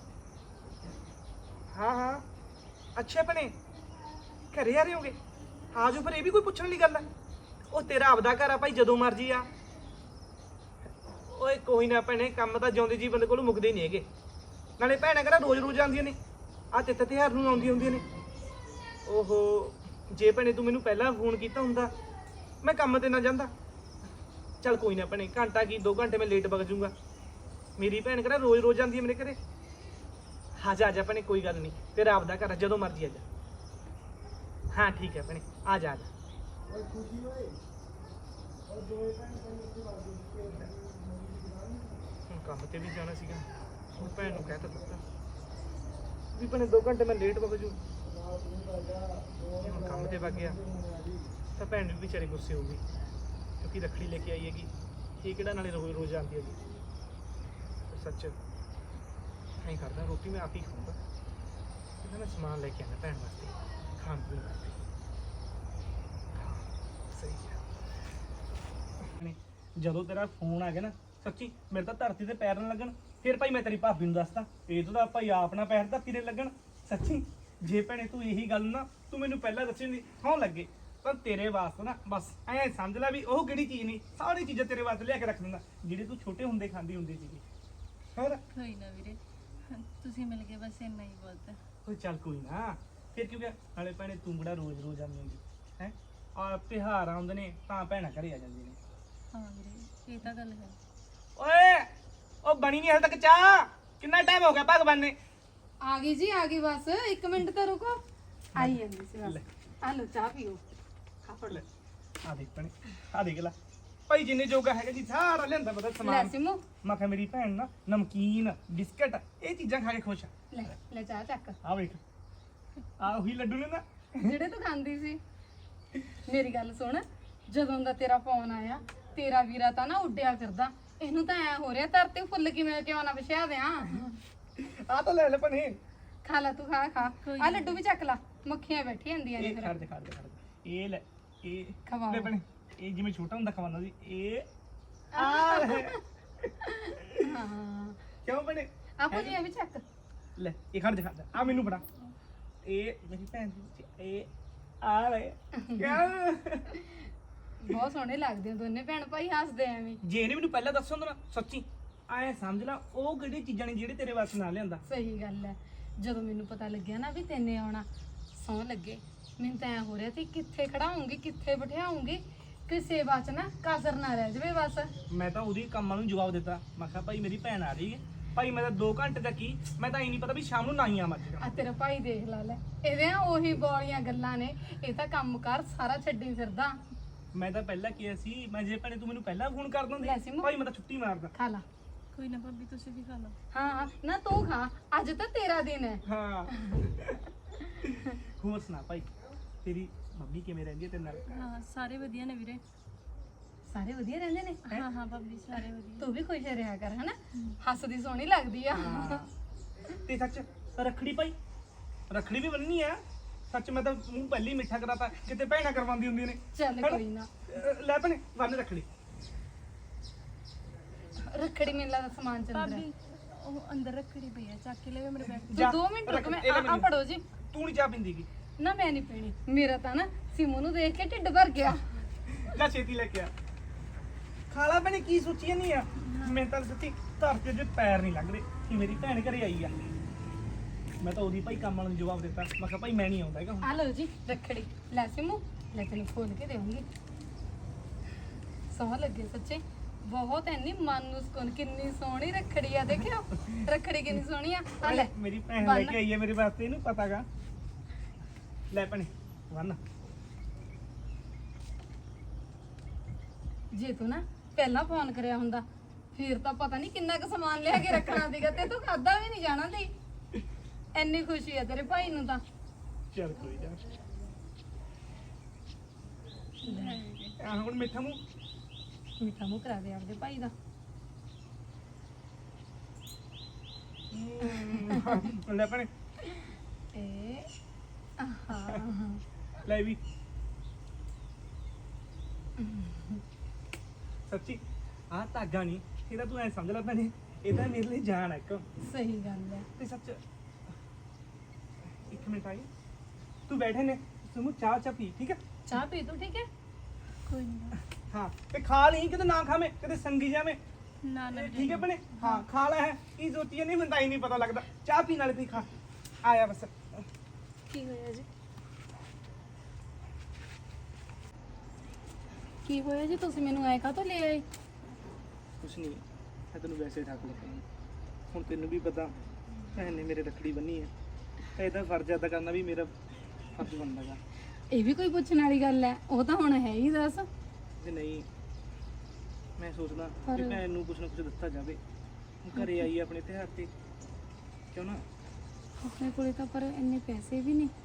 S6: ਹਾਂ ਹਾਂ ਅੱਛਾ ਭੈਣੇ ਘਰੇ ਆ ਰਹੇ ਹੋਗੇ? ਆ ਜਾਓ ਫਿਰ, ਇਹ ਵੀ ਕੋਈ ਪੁੱਛਣ ਵਾਲੀ ਗੱਲ ਹੈ? ਉਹ ਤੇਰਾ ਆਪਦਾ ਘਰ ਆ ਭਾਈ, ਜਦੋਂ ਮਰਜੀ ਆ। ਓਏ ਕੋਈ ਨਾ ਭੈਣੇ, ਕੰਮ ਤਾਂ ਜਿਉਂਦੇ ਜੀ ਬੰਦੇ ਕੋਲੋਂ ਮੁੱਕਦੇ ਨਹੀਂ ਹੈਗੇ। ਨਾਲੇ ਭੈਣਾਂ ਕਿਹੜਾ ਰੋਜ਼ ਰੋਜ਼ ਆਉਂਦੀਆਂ ਨੇ, ਆ ਤਿੱਥ ਤਿਉਹਾਰ ਨੂੰ ਆਉਂਦੀਆਂ ਹੁੰਦੀਆਂ ਨੇ। ਓਹੋ ਜੇ ਭੈਣੇ ਤੂੰ ਮੈਨੂੰ ਪਹਿਲਾਂ ਫੋਨ ਕੀਤਾ ਹੁੰਦਾ ਮੈਂ ਕੰਮ ਤੇ ਨਾ ਜਾਂਦਾ। ਚੱਲ ਕੋਈ ਨਾ ਭੈਣੇ, ਘੰਟਾ ਕੀ 2 ਘੰਟੇ ਮੈਂ ਲੇਟ ਵਗ ਜਾਊਂਗਾ। ਮੇਰੀ ਭੈਣ ਕਿਹੜਾ ਰੋਜ਼ ਰੋਜ਼ ਆਉਂਦੀ ਹੈ ਮੇਰੇ ਘਰੇ। ਆ ਜਾ ਭੈਣੇ, ਕੋਈ ਗੱਲ ਨਹੀਂ, ਤੇਰਾ ਆਪਦਾ ਘਰ ਆ, ਜਦੋਂ ਮਰਜੀ ਆ ਜਾ। ਹਾਂ ਠੀਕ ਹੈ ਭੈਣੇ, ਆ ਜਾ ਆ ਜਾ। ਹੁਣ ਕੰਮ ਤੇ ਵੀ ਜਾਣਾ ਸੀਗਾ, ਉਹ ਭੈਣ ਨੂੰ ਕਹਿ ਤਾ ਦਿੱਤਾ ਵੀ ਭੈਣੇ 2 ਘੰਟੇ ਮੈਂ ਲੇਟ ਵਗ ਜੂ। ਹੁਣ ਕੰਮ ਤੇ ਵਗ ਗਿਆ ਤਾਂ ਭੈਣ ਵੀ ਵਿਚਾਰੀ ਗੁੱਸੇ ਹੋ ਗਈ, ਕਿਉਂਕਿ ਰੱਖੜੀ ਲੈ ਕੇ ਆਈ ਹੈਗੀ। ਇਹ ਕਿਹੜਾ ਨਾਲੇ ਰੋਜ਼ ਰੋਜ਼ ਆਉਂਦੀ ਹੈਗੀ। ਸੱਚ ਐਂ ਕਰਦਾ, ਰੋਟੀ ਮੈਂ ਆਪ ਹੀ ਖਾਊਂਗਾ। ਇਹਦਾ ਮੈਂ ਸਮਾਨ ਲੈ ਕੇ ਆਉਂਦਾ ਭੈਣ ਵਾਸਤੇ, ਖਾਣ ਪੀਣ ਵਾਸਤੇ। ਸਹੀ ਹੈ। ਜਦੋਂ ਤੇਰਾ ਫੋਨ ਆ ਗਿਆ ਨਾ, ਸੱਚੀ ਮੇਰੇ ਤਾਂ ਧਰਤੀ ਤੇ ਪੈਰ ਨਾ ਲੱਗਣ। ਫਿਰ ਭਾਈ ਮੈਂ ਤੇਰੀ ਭਾਬੀ ਨੂੰ ਦੱਸਦਾ, ਇਹ ਤਾਂ ਭਾਈ ਆਪਣਾ ਪੈਰ ਧਰਤੀ ਤੇ ਲੱਗਣ। ਸੱਚੀ ਜੇ ਭੈਣੇ ਤੂੰ ਇਹੀ ਗੱਲ ਨਾ ਤੂੰ ਮੈਨੂੰ ਪਹਿਲਾਂ ਦੱਸੀ ਨਹੀਂ ਸੌਂ ਲੱਗੇ, ਤਾਂ ਤੇਰੇ ਵਾਸਤੇ ਨਾ ਬਸ ਐਂ ਸਮਝ ਲੈ ਵੀ ਉਹ ਕਿਹੜੀ ਚੀਜ਼ ਨਹੀਂ, ਸਾਰੀ ਚੀਜ਼ਾਂ ਤੇਰੇ ਵਾਸਤੇ ਲਿਆ ਕੇ ਰੱਖ ਦਿੰਦਾ ਜਿਹੜੀ ਤੂੰ ਛੋਟੇ ਹੁੰਦੇ ਖਾਂਦੀ ਹੁੰਦੀ ਸੀਗੀ। ਹੋਰ
S2: ਕੋਈ ਨਾ ਵੀਰੇ, ਤੁਸੀਂ ਮਿਲ ਗਏ ਬਸ ਇੰਨਾ ਹੀ ਬਹੁਤ ਹੈ।
S6: ਓਏ ਚੱਲ ਕੋਈ ਨਾ, ਫਿਰ ਕਿਉਂ ਗਿਆ? ਨਾਲੇ ਭੈਣੇ ਤੂੰ ਕਿਹੜਾ ਰੋਜ਼ ਰੋਜ਼ ਆਉਂਦੀ ਹੁੰਦੀ ਹੈ? ਆ ਤਿਉਹਾਰ ਆਉਂਦੇ ਨੇ ਤਾਂ ਭੈਣਾਂ ਘਰੇ ਆ ਜਾਂਦੀਆਂ ਨੇ।
S2: ਹਾਂ ਵੀਰੇ ਇਹ ਤਾਂ ਗੱਲ ਹੈ।
S6: ਓਏ ਉਹ ਬਣੀ ਨਹੀਂ ਹਲੇ ਤੱਕ ਚਾਹ, ਕਿੰਨਾ ਟਾਈਮ ਹੋ ਗਿਆ ਭਗਵਾਨ ਨੇ?
S7: ਆ ਗਈ ਜੀ, ਆ ਗਈ, ਬਸ 1 ਮਿੰਟ ਤਾਂ ਰੁਕੋ, ਆਈ ਜਾਂਦੀ ਸੀ ਬਸ। ਆ ਲਓ ਚਾਹ ਪੀਓ।
S6: ਲੈ ਆ ਦੇਖ ਭੈਣੇ, ਆ ਦੇਖ ਲੈ ਭਾਈ ਜਿੰਨੇ ਜੋਗਾ ਹੈਗਾ ਜੀ ਸਾਰਾ ਲਿਆਂਦਾ ਪਤਾ
S7: ਲੈ
S6: ਸਮਾਨ।
S7: ਸਿਮੂ,
S6: ਮੈਂ ਕਿਹਾ ਮੇਰੀ ਭੈਣ ਨਾ ਨਮਕੀਨ ਬਿਸਕਟ ਇਹ ਚੀਜ਼ਾਂ ਖਾ ਕੇ ਖੁਸ਼ ਆ।
S7: ਲੈ ਲੈ ਚਾਹ ਚੱਕ,
S6: ਆ ਵੇਖ ਆ ਉਹੀ ਲੱਡੂ ਨੇ ਨਾ
S7: ਜਿਹੜੇ ਤੂੰ ਖਾਂਦੀ ਸੀ। ਮੇਰੀ ਗੱਲ ਸੁਣ, ਜਦੋਂ ਦਾ ਤੇਰਾ ਫੋਨ ਆਇਆ ਤੇਰਾ ਵੀਰਾ ਤਾਂ ਨਾ ਉੱਡਿਆ ਕਰਦਾ। ਇਹਨੂੰ ਤਾਂ ਐ ਹੋ ਰਿਹਾ ਧਰਤੀ ਫੁੱਲ ਕਿਉਂ ਨਾ ਵਿਛਾ ਦਿਆਂ।
S6: ਆ ਤਾਂ ਲੈ ਲੈ ਭੈਣੇ,
S7: ਖਾ ਲੈ ਤੂੰ, ਖਾ ਖਾ। ਆ ਲੱਡੂ ਵੀ ਚੱਕ ਲਾ, ਮੱਖੀਆਂ ਬੈਠੀ ਜਾਂਦੀਆਂ ਨੇ
S6: ਇਹ
S7: ਫਿਰ।
S6: ਖੜ ਦੇ ਖੜ ਦੇ ਖੜ ਦੇ, ਇਹ ਲੈ ਇਹ
S7: ਖਵਾਓ।
S6: ਲੈ ਭੈਣੇ, ਇਹ ਜਿਵੇਂ ਛੋਟਾ ਹੁੰਦਾ ਖਵਾਉਂਦਾ ਸੀ ਇਹ ਆ ਲੈ।
S7: ਹਾਂ
S6: ਕਿਉਂ ਭੈਣੇ?
S7: ਆਪੋ ਜੀ ਇਹ ਵੀ ਚੱਕ।
S6: ਲੈ ਇਹ ਖੜ ਦੇ ਖੜ ਦੇ, ਆ ਮੈਨੂੰ ਫੜਾ। ਇਹ ਮੇਰੀ ਭੈਣ ਦੀ ਇਹ ਆ ਲੈ ਕਿਆ
S7: ਬਹੁਤ ਸੋਹਣੇ ਲੱਗਦੇ ਹੋ ਦੋਨੇ ਭੈਣ ਭਾਈ, ਹੱਸਦੇ ਐਵੇਂ।
S6: ਜੇ ਇਹਨੇ ਮੈਨੂੰ ਪਹਿਲਾਂ ਦੱਸਿਆ ਹੁੰਦਾ ਨਾ, ਸੱਚੀ ਐ ਸਮਝ ਲੈ ਉਹ ਕਿਹੜੀ ਚੀਜ਼ਾਂ ਨੇ ਜਿਹੜੇ ਤੇਰੇ ਵਾਸਤੇ ਨਾ ਲਿਆਂਦਾ।
S7: ਸਹੀ ਗੱਲ ਹੈ, ਜਦੋਂ ਮੈਨੂੰ ਪਤਾ ਲੱਗਿਆ ਨਾ ਵੀ ਤੈਨੇ ਆਉਣਾ, ਸੌਂ ਲੱਗੇ ਮੈਨੂੰ ਤਾਂ ਐ ਹੋ ਰਿਹਾ ਸੀ ਕਿੱਥੇ ਖੜਾਉਂਗੀ ਕਿੱਥੇ ਬਿਠਾਉਂਗੀ, ਕਿਸੇ ਬਾਤ ਨਾ ਕਾਜ਼ਰ ਨਾ ਰਹਿ ਜਾਵੇ ਬਸ।
S6: ਮੈਂ ਤਾਂ ਉਹਦੀ ਕੰਮਾਂ ਨੂੰ ਜਵਾਬ ਦਿੱਤਾ, ਮੈਂ ਕਿਹਾ ਭਾਈ ਮੇਰੀ ਭੈਣ ਆ ਰਹੀ ਹੈ ਭਾਈ, ਮੈਂ ਤਾਂ 2 ਘੰਟੇ ਦਾ ਕੀ, ਮੈਂ ਤਾਂ ਇਹ ਨਹੀਂ ਪਤਾ ਵੀ ਸ਼ਾਮ ਨੂੰ ਨਾ ਹੀ ਆਵਾਂ।
S7: ਆ ਤੇਰਾ ਭਾਈ ਦੇਖ ਲਾ ਲੈ, ਇਹਦੇ ਉਹੀ ਬੋਲੀਆਂ ਗੱਲਾਂ ਨੇ, ਇਹ ਤਾਂ ਕੰਮ ਕਰ ਸਾਰਾ ਛੱਡੀ ਫਿਰਦਾ।
S6: ਮੈਂ ਤਾਂ ਪਹਿਲਾਂ ਕਿਹਾ ਸੀ, ਮੈਂ ਜੇ ਭੈਣੇ ਤੂੰ ਮੈਨੂੰ ਪਹਿਲਾਂ ਫੋਨ ਕਰ
S7: ਲੈ
S6: ਦਿੰਦੀ
S7: ਸਿਮੂ।
S6: ਭਾਈ ਮੈਂ ਤਾਂ ਛੁੱਟੀ ਮਾਰਦਾ।
S7: ਖਾ ਲਾ।
S2: ਕੋਈ ਨਾ ਭਾਬੀ ਤੁਸੀਂ ਵੀ ਖਾ ਲਓ।
S7: ਹਾਂ ਨਾ ਤੂੰ ਖਾ, ਅੱਜ ਤਾਂ ਤੇਰਾ ਦਿਨ ਹੈ।
S6: ਹਾਂ ਹੋਰ ਸੁਣਾ ਭਾਈ, ਤੇਰੀ ਮੰਮੀ ਕਿਵੇਂ ਰਹਿੰਦੀ ਹੈ ਤੇਰੇ ਨਾਲ?
S2: ਹਾਂ ਸਾਰੇ ਵਧੀਆ ਨੇ ਵੀਰੇ।
S7: ਸਾਰੇ ਵਧੀਆ ਰਹਿੰਦੇ ਨੇ
S2: ਹਾਂ ਹਾਂ ਭਾਬੀ ਸਾਰੇ ਵਧੀਆ।
S7: ਤੂੰ ਵੀ ਖੁਸ਼ ਰਿਹਾ ਕਰ ਹਨਾ ਹੱਸਦੀ ਸੋਹਣੀ ਲੱਗਦੀ ਆ
S6: ਤੇ ਸੱਚ ਰੱਖੜੀ ਭਾਈ, ਰੱਖੜੀ ਵੀ ਬੰਨਣੀ ਆ। ਸੱਚ ਮੈਂ ਤਾਂ ਮੂੰਹ ਪਹਿਲੀ ਮਿੱਠਾ ਕਰਾਤਾ, ਕਿਤੇ ਭੈਣਾਂ ਕਰਵਾਉਂਦੀ ਹੁੰਦੀਆਂ ਨੇ।
S7: ਚੱਲ ਕੋਈ ਨਾ
S6: ਲੈ ਭੈਣੇ ਬੰਨ ਰੱਖੜੀ।
S7: ਰੱਖੜੀ ਮੇਲਾ ਦਾ ਸਮਾਨ ਚੱਲ ਰਿਹਾ
S2: ਭਾਬੀ ਉਹ ਅੰਦਰ ਰੱਖੜੀ ਪਈ ਆ, ਚੱਕ ਕੇ ਲੈ ਮੇਰੇ ਬੈਗ।
S6: ਜਾ,
S7: 2 ਮਿੰਟ ਰੁਕ ਮੈਂ
S6: ਇਹ ਲੈ
S7: ਆ
S6: ਮੈਨੂੰ।
S7: ਫੜੋ ਜੀ।
S6: ਤੂੰ ਨਹੀਂ ਚਾਹ ਪੀਂਦੀ ਗੀ।
S7: ਨਾ ਮੈਂ ਨਹੀਂ ਪੀਣੀ, ਮੇਰਾ ਤਾਂ ਨਾ ਸਿਮੂ ਨੂੰ ਦੇਖ ਕੇ ਢਿੱਡ ਭਰ ਗਿਆ।
S6: ਲੈ ਛੇਤੀ ਲੈ ਕੇ ਆ। ਖਾਲਾ ਭੈਣੇ ਕੀ ਸੋਚੀ ਨਹੀਂ ਆ? ਮੈਂ ਤਾਂ ਸੱਚੀ ਧਰਤੀ 'ਚ ਪੈਰ ਨਹੀਂ ਲੱਗ ਰਹੇ ਕਿ ਮੇਰੀ ਭੈਣ ਘਰੇ ਆਈ ਆ। ਮੈਂ ਤਾਂ ਉਹਦੀ ਭਾਈ ਕੰਮ ਵਾਲੇ ਨੂੰ ਜਵਾਬ ਦਿੱਤਾ, ਮੈਂ ਕਿਹਾ ਭਾਈ ਮੈਂ ਨਹੀਂ ਆਉਂਦਾ ਹੈਗਾ ਹੁਣ।
S7: ਆ ਲਓ ਜੀ ਰੱਖੜੀ, ਲੈ ਸਿਮੂ ਲੈ ਤੈਨੂੰ ਖੋਲ ਕੇ ਦੇਵਾਂਗੀ। ਸੋਹਣਾ ਲੱਗੇ ਸੱਚੇ, ਬਹੁਤ ਐਨੀ ਮਨ ਨੂੰ ਸਕੂਨ। ਕਿੰਨੀ ਸੋਹਣੀ ਰੱਖੜੀ ਆ, ਦੇਖਿਓ ਰੱਖੜੀ ਕਿੰਨੀ ਸੋਹਣੀ ਆ। ਆ ਲੈ
S6: ਮੇਰੀ ਭੈਣ ਲੈ ਕੇ ਆਈ ਹੈ ਮੇਰੇ ਵਾਸਤੇ, ਇਹਨੂੰ ਪਤਾਗਾ। ਲੈ ਭੈਣੇ ਬੰਨ।
S7: ਜੇ ਤੂੰ ਨਾ ਪਹਿਲਾਂ ਫੋਨ ਕਰਿਆ ਹੁੰਦਾ ਫਿਰ ਤਾਂ ਪਤਾ ਨਹੀਂ ਕਿੰਨਾ ਕੁ ਸਮਾਨ ਲਿਆ ਕੇ ਰੱਖਣਾ ਸੀਗਾ ਤੇ ਤੂੰ ਖਾਦਾ ਵੀ ਨਹੀਂ ਜਾਣਾ ਸੀ। ਐਨੀ ਖੁਸ਼ੀ ਆ ਤੇਰੇ ਭਾਈ ਨੂੰ ਤਾਂ।
S6: ਚੱਲ ਕੋਈ ਨਾ। ਆ ਹੁਣ ਮਿੱਠਾ ਮੂੰਹ।
S7: ਮਿੱਠਾ ਮੂੰਹ ਕਰਾ ਦੇ ਆਪਦੇ ਭਾਈ ਦਾ।
S6: ਲੈ ਭੈਣੇ
S7: ਇਹ ਆਹਾ
S6: ਲੈ ਵੀ। ਸੱਚੀ ਆਹ ਧਾਗਾ ਨਹੀਂ, ਇਹਦਾ ਤੂੰ ਐ ਸਮਝ ਲੈ ਭੈਣੇ, ਇਹ ਤਾਂ ਮੇਰੇ ਲਈ ਜਾਨ ਹੈ ਇੱਕ।
S7: ਸਹੀ ਗੱਲ ਹੈ।
S6: ਤੇ ਸੱਚ ਇੱਕ ਮਿੰਟ ਆਈ, ਤੂੰ ਬੈਠੇ ਨੇ ਤੁਮ ਚਾਹ ਪੀ, ਠੀਕ ਹੈ?
S7: ਚਾਹ ਪੀ ਤੂੰ, ਠੀਕ ਹੈ?
S2: ਕੋਈ ਨਹੀਂ
S6: ਹਾਂ ਤੇ ਖਾ ਲਈ, ਕਿਤੇ ਨਾ ਖਾਵੇਂ, ਕਿਤੇ ਸੰਗੀ ਜਾਵੇਂ।
S2: ਨਾ ਨਾ
S6: ਠੀਕ ਹੈ ਭੈਣੇ? ਹਾਂ ਖਾ ਲੈ। ਹੈ ਕੀ ਸੋਚੀ ਨਹੀਂ, ਮੈਨੂੰ ਤਾਂ ਹੀ ਨਹੀਂ ਪਤਾ ਲੱਗਦਾ। ਚਾਹ ਪੀਣ ਵਾਲੇ ਪੀ, ਖਾ ਆਇਆ ਬਸ।
S2: ਕੀ ਹੋਇਆ ਜੀ? ਕੀ ਹੋਇਆ ਜੀ? ਤੁਸੀਂ ਮੈਨੂੰ ਐ ਕਾਹਤੋਂ ਲੈ ਆਏ?
S6: ਕੁਛ ਨਹੀਂ, ਮੈਂ ਤੈਨੂੰ ਵੈਸੇ ਠੱਕ ਲਿਆ। ਹੁਣ ਤੈਨੂੰ ਵੀ ਪਤਾ ਭੈਣ ਨੇ ਮੇਰੇ ਰੱਖੜੀ ਬੰਨੀ ਹੈ, ਤਾਂ ਇਹਦਾ ਫਰਜ਼ ਅਦਾ ਕਰਨਾ ਵੀ ਮੇਰਾ ਫਰਜ਼ ਬਣਦਾ ਗਾ।
S7: ਇਹ ਵੀ ਕੋਈ ਪੁੱਛਣ ਵਾਲੀ ਗੱਲ ਹੈ? ਉਹ ਤਾਂ ਹੁਣ ਹੈ ਹੀ। ਦੱਸ।
S6: ਤੇ ਨਹੀਂ, ਮੈਂ ਸੋਚਦਾ ਕਿ ਭੈਣ ਨੂੰ ਕੁਛ ਨਾ ਕੁਛ ਦਿੱਤਾ ਜਾਵੇ। ਹੁਣ ਘਰੇ ਆਈ ਆਪਣੇ ਤਿਉਹਾਰ ਤੇ, ਕਿਉਂ ਨਾ?
S7: ਆਪਣੇ ਕੋਲੇ ਤਾਂ ਪਰ ਇੰਨੇ ਪੈਸੇ ਵੀ ਨਹੀਂ।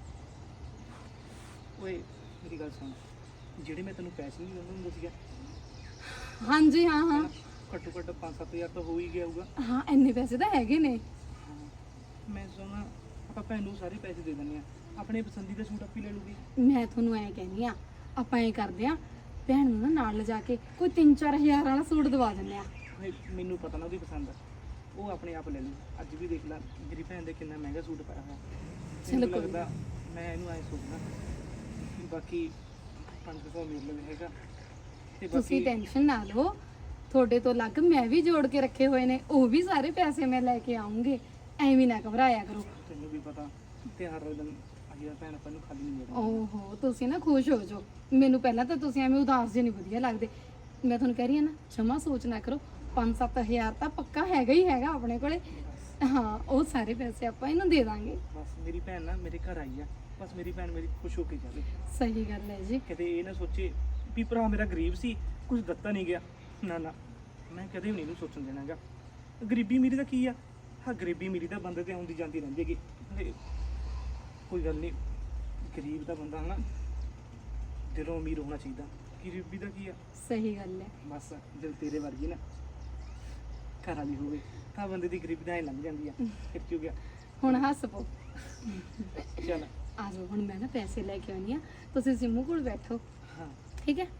S6: ਓਏ ਮੇਰੀ ਗੱਲ ਸੁਣ, ਜਿਹੜੇ ਮੈਂ ਤੈਨੂੰ ਪੈਸੇ ਨਹੀਂ ਦਿੰਦਾ ਹੁੰਦਾ ਸੀਗਾ,
S7: ਹਾਂਜੀ ਹਾਂ ਹਾਂ
S6: ਘੱਟੋ ਘੱਟ 5-7 ਹਜ਼ਾਰ ਤਾਂ ਹੋ ਹੀ ਗਿਆ ਹੋਊਗਾ।
S7: ਹਾਂ ਇੰਨੇ ਪੈਸੇ ਤਾਂ ਹੈਗੇ ਨੇ।
S6: ਮੈਂ ਸੋਚਦਾ ਆਪਾਂ ਭੈਣ ਨੂੰ ਸਾਰੇ ਪੈਸੇ ਦੇ ਦਿੰਦੇ ਆ, ਆਪਣੇ ਪਸੰਦੀਦਾ ਸੂਟ ਆਪੀ ਲੈ ਲੂਗੀ।
S7: ਮੈਂ ਤੁਹਾਨੂੰ ਐ ਕਹਿੰਦੀ ਆ, ਆਪਾਂ ਐ ਕਰਦੇ ਆ, ਭੈਣ ਨੂੰ ਨਾ ਨਾਲ ਲਿਜਾ ਕੇ ਕੋਈ 3-4 ਹਜ਼ਾਰ ਵਾਲਾ ਸੂਟ ਦਵਾ ਦਿੰਦੇ ਆ।
S6: ਓਏ ਮੈਨੂੰ ਪਤਾ ਨਾ ਉਹਦੀ ਪਸੰਦ ਆ, ਉਹ ਆਪਣੇ ਆਪ ਲੈ ਲੂ। ਅੱਜ ਵੀ ਦੇਖ ਲੈ ਮੇਰੀ ਭੈਣ ਦੇ ਕਿੰਨਾ ਮਹਿੰਗਾ ਸੂਟ ਪਾਇਆ ਹੋਇਆ।
S7: ਚਲੋ
S6: ਮੈਨੂੰ
S7: ਕੋਈ
S6: ਲੱਗਦਾ ਮੈਂ ਇਹਨੂੰ ਐ ਸੋਚਦਾ, ਬਾਕੀ 500 ਮੇਰੇ ਲਈ ਹੈਗਾ ਤੇ
S7: ਤੁਸੀਂ
S6: ਬਾਕੀ
S7: ਟੈਨਸ਼ਨ ਨਾ ਲਓ, ਤੁਹਾਡੇ ਤੋਂ ਅਲੱਗ ਮੈਂ ਵੀ ਜੋੜ ਕੇ ਰੱਖੇ ਹੋਏ ਨੇ, ਉਹ ਵੀ ਸਾਰੇ ਪੈਸੇ ਮੈਂ ਲੈ ਕੇ ਆਉਂਗੇ। ਐਵੇਂ ਨਾ ਘਬਰਾਇਆ ਕਰੋ।
S6: ਤੈਨੂੰ ਵੀ ਪਤਾ ਤਿਉਹਾਰ ਵਾਲੇ ਦਿਨ ਆਹੀ ਭੈਣ ਆਪਾਂ ਨੂੰ ਖਾਲੀ ਨਹੀਂ ਮਿਲਦਾ।
S7: ਓਹੋ ਤੁਸੀਂ ਨਾ ਖੁਸ਼ ਹੋ ਜਾਓ। ਮੈਨੂੰ ਪਹਿਲਾਂ ਤਾਂ ਤੁਸੀਂ ਐਵੇਂ ਉਦਾਸ ਜਿਹੇ ਨਹੀਂ ਵਧੀਆ ਲੱਗਦੇ। ਮੈਂ ਤੁਹਾਨੂੰ ਕਹਿ ਰਹੀ ਹਾਂ ਨਾ, ਜਮਾ ਸੋਚ ਨਾ ਕਰੋ। 5-7 ਹਜ਼ਾਰ ਤਾਂ ਪੱਕਾ ਹੈਗਾ ਹੀ ਹੈਗਾ ਆਪਣੇ ਕੋਲੇ। ਹਾਂ ਉਹ ਸਾਰੇ ਪੈਸੇ ਆਪਾਂ ਇਹਨੂੰ ਦੇ ਦਾਂਗੇ।
S6: ਬਸ ਮੇਰੀ ਭੈਣ ਨਾ ਮੇਰੇ ਘਰ ਆਈ ਆ, ਬਸ ਮੇਰੀ ਭੈਣ ਮੇਰੀ ਖੁਸ਼ ਹੋ ਕੇ ਜਾਵੇ।
S7: ਸਹੀ ਗੱਲ ਹੈ ਜੀ।
S6: ਕਦੇ ਇਹ ਨਾ ਸੋਚੇ ਵੀ ਭਰਾ ਮੇਰਾ ਗਰੀਬ ਸੀ, ਕੁਝ ਦਿੱਤਾ ਨਹੀਂ ਗਿਆ। ਨਾ ਨਾ, ਮੈਂ ਕਦੇ ਵੀ ਨਹੀਂ ਇਹਨੂੰ ਸੋਚਣ ਦੇਣਾਗਾ। ਗਰੀਬੀ ਮੇਰੀ ਦਾ ਕੀ ਆ? ਹਾਂ ਗਰੀਬੀ ਮੇਰੀ ਤਾਂ ਬੰਦੇ ਤੇ ਆਉਂਦੀ ਜਾਂਦੀ ਰਹਿੰਦੀ ਹੈਗੀ। ਤੇ ਕੋਈ ਗੱਲ ਨਹੀਂ, ਗਰੀਬ ਦਾ ਬੰਦਾ ਹਨਾ ਦਿਲੋਂ ਅਮੀਰ ਹੋਣਾ ਚਾਹੀਦਾ। ਗਰੀਬੀ ਦਾ ਕੀ ਆ?
S7: ਸਹੀ ਗੱਲ ਹੈ।
S6: ਬਸ ਦਿਲ ਤੇਰੇ ਵਰਗੀ ਨਾ ਘਰ ਵਾਲੀ ਹੋਵੇ ਤਾਂ ਬੰਦੇ ਦੀ ਗਰੀਬੀ ਤਾਂ ਐ ਲੰਘ ਜਾਂਦੀ ਆ। ਫਿਰ ਕੀ ਹੋ ਗਿਆ?
S7: ਹੁਣ ਹੱਸ ਪੋ।
S6: ਚੱਲ
S7: ਆ ਜਾਓ, ਹੁਣ ਮੈਂ ਨਾ ਪੈਸੇ ਲੈ ਕੇ ਆਉਣੀ ਆ। ਤੁਸੀਂ ਸਿੰਮੂ ਕੋਲ ਬੈਠੋ,
S6: ਹਾਂ
S7: ਠੀਕ ਹੈ?